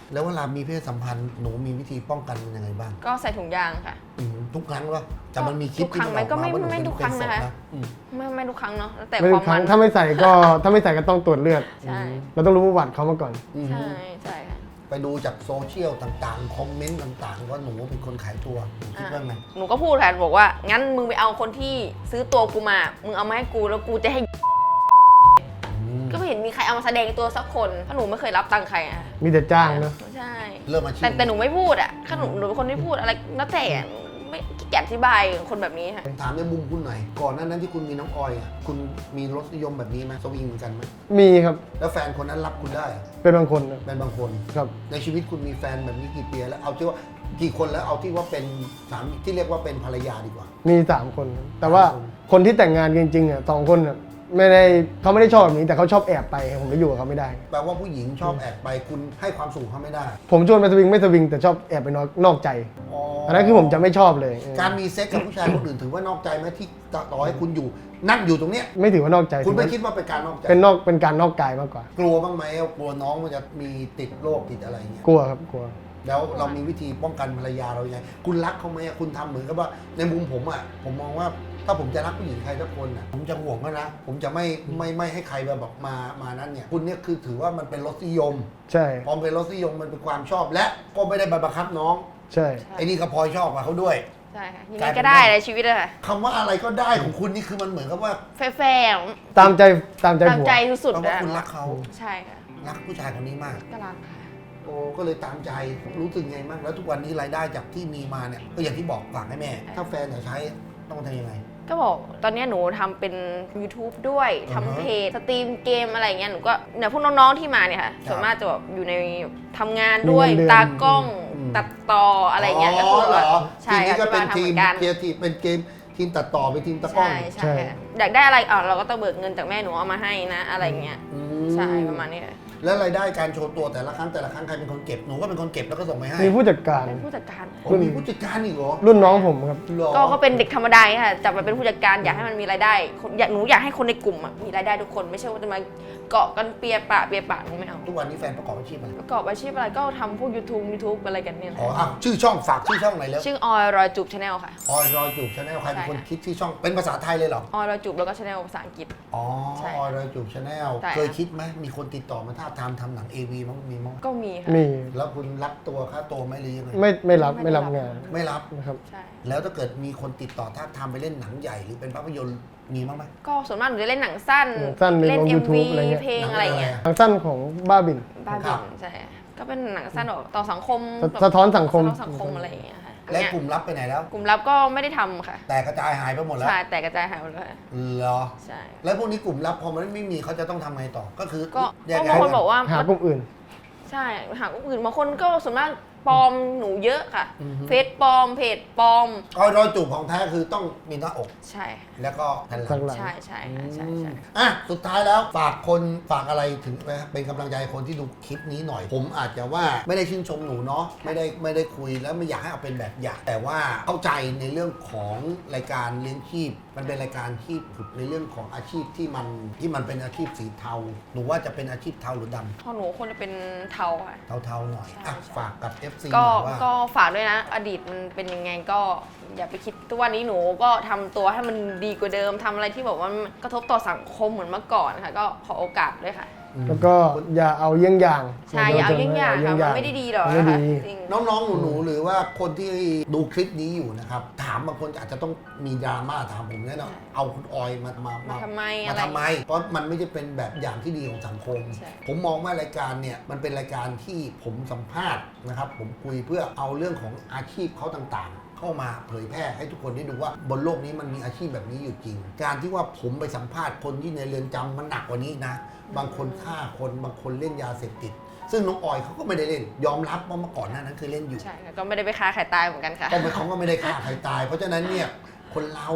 [SPEAKER 1] แล้วเวลามีเพศสัมพันธ์หนูมีวิธีป้องกันมันยังไงบ้าง
[SPEAKER 2] ก็ใส่ถุงยางค่ะ
[SPEAKER 1] ทุกครั้งว่าแต่มันมีคลิป
[SPEAKER 2] ทุกครั้งไหมก็ไม่ทุกครั้งนะคะ ไม่ทุกครั้งเนาะแล้วแต่
[SPEAKER 3] ไม่
[SPEAKER 2] ค
[SPEAKER 3] ทุ
[SPEAKER 2] วาก ม
[SPEAKER 3] ครั้
[SPEAKER 2] มั
[SPEAKER 3] ง
[SPEAKER 2] น
[SPEAKER 3] ถ้าไม่ใส่ก็ต้องตรวจเลือด
[SPEAKER 2] ใช่
[SPEAKER 3] เราต้องรู้ประวัติเขามาก่อน
[SPEAKER 2] ใช่ใช่ค่ะ
[SPEAKER 1] ไปดูจากโซเชียลต่างๆ คอมเมนต์ต่างๆ ว่าหนูเป็นคนขายตัวหนูคิดว่าไง
[SPEAKER 2] หนูก็พูดค่ะบอกว่างั้นมึงไปเอาคนที่ซื้อตัวกูมา มึงเอามาให้กูแล้วกูจะให้ ก็ไม่เห็นมีใครเอามาแสดงตัวสักคนเพราะหนูไม่เคยรับตังค์ใครอะ
[SPEAKER 3] มีแต่จ้างเนอะ
[SPEAKER 2] ใช่
[SPEAKER 1] เริ่มอาชีพ
[SPEAKER 2] แต่หนูไม่พูดอะถ้าหนูเป็นคนที่พูดอะไรแล้วแต่ไม่ขี้เกียจอธิบายคนแบบนี้ค่ะ
[SPEAKER 1] ผมถามในมุมคุณหน่อย ก่อนหน้านั้นที่คุณมีน้องออยอ่ะคุณมีรสนิยมแบบนี้ไหมสวิงเหมือนกันไหม
[SPEAKER 3] มีครับ
[SPEAKER 1] แล้วแฟนคนนั้นรับคุณได้อะ
[SPEAKER 3] เป็นบางคนนะ
[SPEAKER 1] เป็นบางคน
[SPEAKER 3] ครับ
[SPEAKER 1] ในชีวิตคุณมีแฟนแบบนี้กี่ปีแล้วเอาที่ว่ากี่คนแล้วเอาที่ว่าเป็นสามีที่เรียกว่าเป็นภรรยาดีกว่า
[SPEAKER 3] มี3 คนครับแต่ว่า
[SPEAKER 1] คน
[SPEAKER 3] คนที่แต่งงานจริงๆอ่ะ2 คนน่ะเขาไม่ได้ชอบแบบนี้แต่เขาชอบแอบไปผมไม่อยู่กับเขาไม่ได้
[SPEAKER 1] แปลว่าผู้หญิงชอบแอบไปคุณให้ความสุขเขาไม่ได้
[SPEAKER 3] ผมชวนไปสวิงไม่สวิงแต่ชอบแอบไปนอกใจอันนั้นคือผมจะไม่ชอบเลย
[SPEAKER 1] การมีเซ็กกับผู้ชายคนอื่นถือว่านอกใจไหมที่ต่อให้คุณอยู่นั่งอยู่ตรงเนี้ย
[SPEAKER 3] ไม่ถือว่านอกใจ
[SPEAKER 1] คุณไม่
[SPEAKER 3] ถือว่า
[SPEAKER 1] คิดว่าเป็นการนอกใจ
[SPEAKER 3] เป็นการนอกกายมากกว่า
[SPEAKER 1] กลัวบ้างไหมกลัวน้องมันจะมีติดโรคติดอะไรอย่างเงี้ย
[SPEAKER 3] กลัวครับกลัว
[SPEAKER 1] แล้วเรามีวิธีป้องกันภรรยาเรายังไงคุณรักเขาไหมคุณทำเหมือนกับว่าในมุมผมอ่ะผมมองว่าถ้าผมจะรักผู้หญิงใครสักคนอ่ะผมจะห่วงเขานะผมจะไม่ให้ใครแบบมานั้นเนี่ยคุณเนี่ยคือถือว่ามันเป็นรสนิยม
[SPEAKER 3] ใช่
[SPEAKER 1] พอเป็นรสนิยมมันเป็นความชอบและก็ไม่ได้ไปบังคับน้อง
[SPEAKER 3] ใช่
[SPEAKER 1] ไอ้นี่ก็พลอยชอบกับเขาด้วย
[SPEAKER 2] ใช่ค่ะยังไงก็ได้ในชีวิตอะค่ะ
[SPEAKER 1] คำว่าอะไรก็ได้ของคุณนี่คือมันเหมือนกับว่า
[SPEAKER 2] แฟร์
[SPEAKER 3] ตามใจ
[SPEAKER 2] ๆตาม
[SPEAKER 3] ผัว
[SPEAKER 2] ใจสุด
[SPEAKER 1] แปล
[SPEAKER 2] ๆ
[SPEAKER 1] ว่า
[SPEAKER 2] อะ
[SPEAKER 1] คุณรักเขา
[SPEAKER 2] ใช่ค่ะ
[SPEAKER 1] รักผู้ชายคนนี้มาก
[SPEAKER 2] ก็รักค่ะ
[SPEAKER 1] โอ้ก็เลยตามใจรู้สึกไงบ้างแล้วทุกวันนี้รายได้จากที่มีมาเนี่ยก็อย่างที่บอกฝากให้แม่ ถ้าแฟนอยากใช้ต้องทำยังไง
[SPEAKER 2] ก็บอกตอนนี้หนูทำเป็น YouTube ด้วยทำเพจสตรีมเกมอะไรเงี้ยหนูก็เนี่ยพวกน้องๆที่มาเนี่ยค่ะส่วนมากจะแบบอยู่ในทำงานด้วย
[SPEAKER 3] มีเงินเดือน
[SPEAKER 2] ตากล้องตัดต่ออะไรเงี้ยก็คือแบบใช่
[SPEAKER 1] ทีนี้ก็เป็น
[SPEAKER 2] ค่ะ
[SPEAKER 1] ทีม
[SPEAKER 2] ที่บ้านทำเหมือนกัน
[SPEAKER 1] เกียร์ทีเป็นเกมทีมตัดต่อเป็นทีมตะกล้อง
[SPEAKER 2] ใช่ใช่ค่ะอยากได้อะไรเราก็ต้องเบิกเงินจากแม่หนูเอามาให้นะอะไรเงี้ย
[SPEAKER 1] อืม
[SPEAKER 2] ใช่ประมาณนี้ค่ะ
[SPEAKER 1] แล้วรายได้การโชว์ตัวแต่ละครั้งใครเป็นคนเก็บหนูก็เป็นคนเก็บแล้วก็ส่งไปให้
[SPEAKER 3] มีผู้จัดการ
[SPEAKER 2] เป็นผู้จัดการ
[SPEAKER 1] โอ้มีผู้จัดการอีกเหรอ
[SPEAKER 3] รุ่นน้องผมครับ
[SPEAKER 1] หรอ
[SPEAKER 2] ก็เป็นเด็กธรรมดาค่ะจับมาเป็นผู้จัดการอยากให้มันมีรายได้หนูอยากให้คนในกลุ่มอะมีรายได้ทุกคนไม่ใช่ว่าจะมาเกาะกันเปียปะหนูไม่เอา
[SPEAKER 1] ทุกวันนี้แฟนประกอบอาชีพอะไร
[SPEAKER 2] ประกอบอาชีพอะไรก็ทำพวก YouTube อะไรกันเนี่ยแหละ
[SPEAKER 1] อ๋ออ่ะชื่อช่องฝากชื่อช่องไหนอยแล้ว
[SPEAKER 2] ชื่อออยรอยจูบชาแนลค่ะ
[SPEAKER 1] ออยรอยจูบชาแนลใครเป็นคน
[SPEAKER 2] ใช่ค่ะ
[SPEAKER 1] คิดชื่อช่องเป็นภาษาไทยเลยเหรอ
[SPEAKER 2] ออยรอยจูบแล้วก็ชาแนลภาษาอังกฤษ
[SPEAKER 1] อ๋อ
[SPEAKER 2] ใช่
[SPEAKER 1] ออยรอยจูบชาแนล
[SPEAKER 2] ใช่ค่ะ
[SPEAKER 1] เคยคิดไหมมีคนติดต่อมาท้าบทามทำหนัง AV มั้งมีมั้ง
[SPEAKER 2] ก็มีค่ะ
[SPEAKER 3] มี
[SPEAKER 1] แล้วคุณรับตัวค่าตัวไหมหรือยังไง
[SPEAKER 3] ไม่รับงาน
[SPEAKER 1] ไม่รับ
[SPEAKER 3] นะครับ
[SPEAKER 2] ใช่
[SPEAKER 1] แล้วถ้าเกิดมีคนติดต่อท้าบทามไปเล่นหนังใหญ่หรือเป็นภาพยนตร์มีมั้งไหม
[SPEAKER 2] ก็ส่วนมากหนูจะเล่นหนังสั้น
[SPEAKER 3] หนังสั้น
[SPEAKER 2] เล่น
[SPEAKER 3] ลง
[SPEAKER 2] MV
[SPEAKER 3] YouTube อะไรเงี้ย
[SPEAKER 2] เพลงอะไรเงี้ย
[SPEAKER 3] ทางสั้นของบ้าบิน
[SPEAKER 2] บ้า
[SPEAKER 1] ครั
[SPEAKER 2] บิ
[SPEAKER 1] บ
[SPEAKER 2] นใช่ก็เป็นหนังสั้นแบบต่อสังคม
[SPEAKER 3] สะท้อนสังคม
[SPEAKER 2] สะท้อนสังคมอะไรอย่างเงี้ยค่ะ
[SPEAKER 1] และ
[SPEAKER 2] เนี่ย
[SPEAKER 1] กลุ่มรับไปไหนแล้ว
[SPEAKER 2] กลุ่มลับก็ไม่ได้ทำค่ะ
[SPEAKER 1] แต่กระจายหายไปหมดแล้ว
[SPEAKER 2] ใช่แต่กระจายหายหมดเลยค่ะ
[SPEAKER 1] เหรอ
[SPEAKER 2] ใช่
[SPEAKER 1] แล้วพวกนี้กลุ่มลับพอมันไม่มีเขาจะต้องทำไงต่อก็คือ
[SPEAKER 2] ก็
[SPEAKER 1] แยก
[SPEAKER 2] บาง
[SPEAKER 1] ย้าย
[SPEAKER 2] คนบอกว่า
[SPEAKER 3] หากลุ่มอื่น
[SPEAKER 2] ใช่หากอื่นบางคนก็ส่วนมากปลอมหนูเยอะค่ะเฟซปลอมเพจปลอม
[SPEAKER 1] ออยรอยจูบของแท้คือต้องมีหน้าอก
[SPEAKER 2] ใช่ค่ะ
[SPEAKER 1] แล้วก็แผ่นหลั
[SPEAKER 3] ข้าง
[SPEAKER 1] ง
[SPEAKER 3] หลัง
[SPEAKER 2] ใช่ใช่ค่ะใช่ใช่
[SPEAKER 1] อ่ะสุดท้ายแล้วฝากอะไรถึงเป็นกำลังใจคนที่ดูคลิปนี้หน่อย ผมอาจจะว่าไม่ได้ชื่นชมหนูเนาะไม่ได้คุยแล้วไม่อยากให้เอาเป็นแบบอย่างแต่ว่าเข้าใจในเรื่องของรายการเลี้ยงชีพ มันเป็นรายการที่ผุดในเรื่องของอาชีพที่มันเป็นอาชีพสีเทาหนูว่าจะเป็นอาชีพเทาหรือดำ
[SPEAKER 2] พอหนูคนจะเป็นเทาค่ะ
[SPEAKER 1] เทาๆหน่อยอ่ะ
[SPEAKER 2] ใช่
[SPEAKER 1] ฝากกับ FC ห
[SPEAKER 2] ก็
[SPEAKER 1] น่อยว่า
[SPEAKER 2] ก็ฝากด้วยนะ อดีตมันเป็นยังไงก็อย่าไปคิดทุกวันนี้หนูก็ทำตัวให้มันดีกว่าเดิมทำอะไรที่แบบว่ามันกระทบต่อสังคมเหมือนเมื่อก่อนค่ะก็ขอโอกาสด้วยค่ะ
[SPEAKER 3] แล้วก็อย่าเอาเยี่ยงอย่าง
[SPEAKER 2] ใช่อย่าเอาเยี่ยงอย่างค่ะมันไม่ได้ดีหรอก
[SPEAKER 3] ไม่
[SPEAKER 2] นะคะ
[SPEAKER 3] ดี
[SPEAKER 2] จริง
[SPEAKER 1] น้องๆ หนูๆ หรือว่าคนที่ดูคลิปนี้อยู่นะครับ ถามบางคนอาจจะต้องมีดราม่าถามผมแน่นอนเอาคุณออยมา
[SPEAKER 2] มาทำไม
[SPEAKER 1] มา
[SPEAKER 2] อะไร
[SPEAKER 1] ทำไม เพราะมันไม่ได้เป็นแบบอย่างที่ดีของสังคม
[SPEAKER 2] ใช่
[SPEAKER 1] ผมมองว่ารายการเนี่ยมันเป็นรายการที่ผมสัมภาษณ์นะครับ ผมคุยเพื่อเอาเรื่องของอาชีพเขาต่างๆ เข้ามาเผยแพร่ให้ทุกคนได้ดูว่าบนโลกนี้มันมีอาชีพแบบนี้อยู่จริง การที่ว่าผมไปสัมภาษณ์คนที่ในเรือนจำมันหนักกว่านี้นะ บางคนฆ่าคนบางคนเล่นยาเสพติด ซึ่งน้องออยเขาก็ไม่ได้เล่น ยอมรับว่าเมื่อก่อนหน้านั้นเคยเล่นอยู่
[SPEAKER 2] ใช่ค่ะก็ไม่ได้ไปฆ่าใครตายเหมือนกันค่ะ
[SPEAKER 1] ก็เขาก็ไม่ได้ฆ่าใครตาย เพราะฉะนั้นเนี่ยคนเรา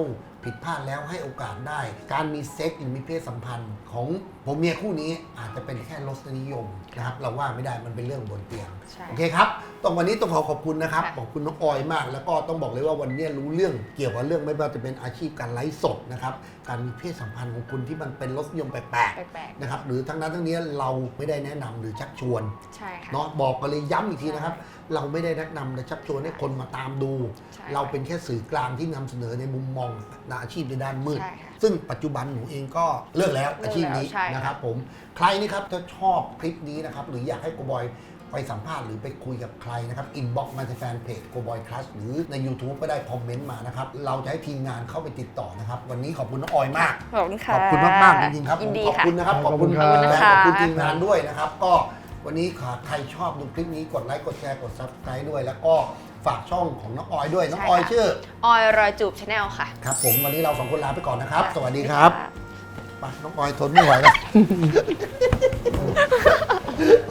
[SPEAKER 1] ผิดพลาดแล้วให้โอกาสได้ การมีเซ็กหรือมีเพศสัมพันธ์ของผมเมียคู่นี้อาจจะเป็นแค่รสนิยมนะครับเราว่าไม่ได้มันเป็นเรื่องบนเตียง
[SPEAKER 2] ใช่
[SPEAKER 1] โอเคครับตรงวันนี้ต้องขอบคุณนะครับ
[SPEAKER 2] ค่ะ
[SPEAKER 1] ขอบคุณน้องออยมาก แล้วก็ต้องบอกเลยว่าวันนี้รู้เรื่องเกี่ยวกับเรื่องไม่ว่าจะเป็นอาชีพการไลฟ์สดนะครับการมีเพศสัมพันธ์ของคุณที่มันเป็นรสนิยมแปลก
[SPEAKER 2] แปลก
[SPEAKER 1] ๆนะครับหรือทั้งนั้นทั้งนี้เราไม่ได้แนะนำหรือชักชวน
[SPEAKER 2] ๆใช่ค่ะ
[SPEAKER 1] เนาะบอกกันเลยย้ำอีกทีนะครับ เราไม่ได้แนะนำและชักชวนให้คนมาตามดู
[SPEAKER 2] ใช่
[SPEAKER 1] เราเป็นแค่สื่อกลางที่นำเสนอในมุมมองอาชีพในด้านมืด
[SPEAKER 2] ใช่ค่ะ
[SPEAKER 1] ซึ่งปัจจุบันหนูเองก็เลิกแล้วอาชีพนี้
[SPEAKER 2] ใช่ค่ะ
[SPEAKER 1] นะครับผมใครนี่ครับถ้าชอบคลิปนี้นะครับหรืออยากให้โกบอยไปสัมภาษณ์หรือไปคุยกับใครนะครับอินบ็อกซ์มาที่แฟนเพจโกบอยคลาสหรือใน YouTube ก็ได้คอมเมนต์มานะครับเราจะให้ทีมงานเข้าไปติดต่อนะครับวันนี้ขอบคุณน้องออยมาก
[SPEAKER 2] ขอบคุณค่ะ
[SPEAKER 1] ขอบคุณมากๆจริงๆครับ
[SPEAKER 2] ยินดี
[SPEAKER 1] ขอบ
[SPEAKER 2] ค่ะ
[SPEAKER 1] คุณนะครับ
[SPEAKER 3] ขอบคุณครับ
[SPEAKER 1] และ
[SPEAKER 2] ข
[SPEAKER 1] ข
[SPEAKER 2] อ
[SPEAKER 1] อ
[SPEAKER 2] บบ คุ
[SPEAKER 1] คุณ ณ
[SPEAKER 2] ค่ะ
[SPEAKER 1] ทีมงานด้วยนะครับ ก็วันนี้ใครชอบดูคลิปนี้กดไลค์กดแชร์กด Subscribe ด้วย แล้วก็ฝากช่องของน้องออยด้วยน้องออยชื่อ
[SPEAKER 2] ออยรอยจูบชาแนลค่ะ
[SPEAKER 1] ครับผมวันนี้เราสองคนลาไปก่อนนะครับ
[SPEAKER 2] ค่ะ
[SPEAKER 1] สวัสดีครับ
[SPEAKER 2] ค่ะ
[SPEAKER 1] ไปน้องออยทนไม่ไหวแล้ว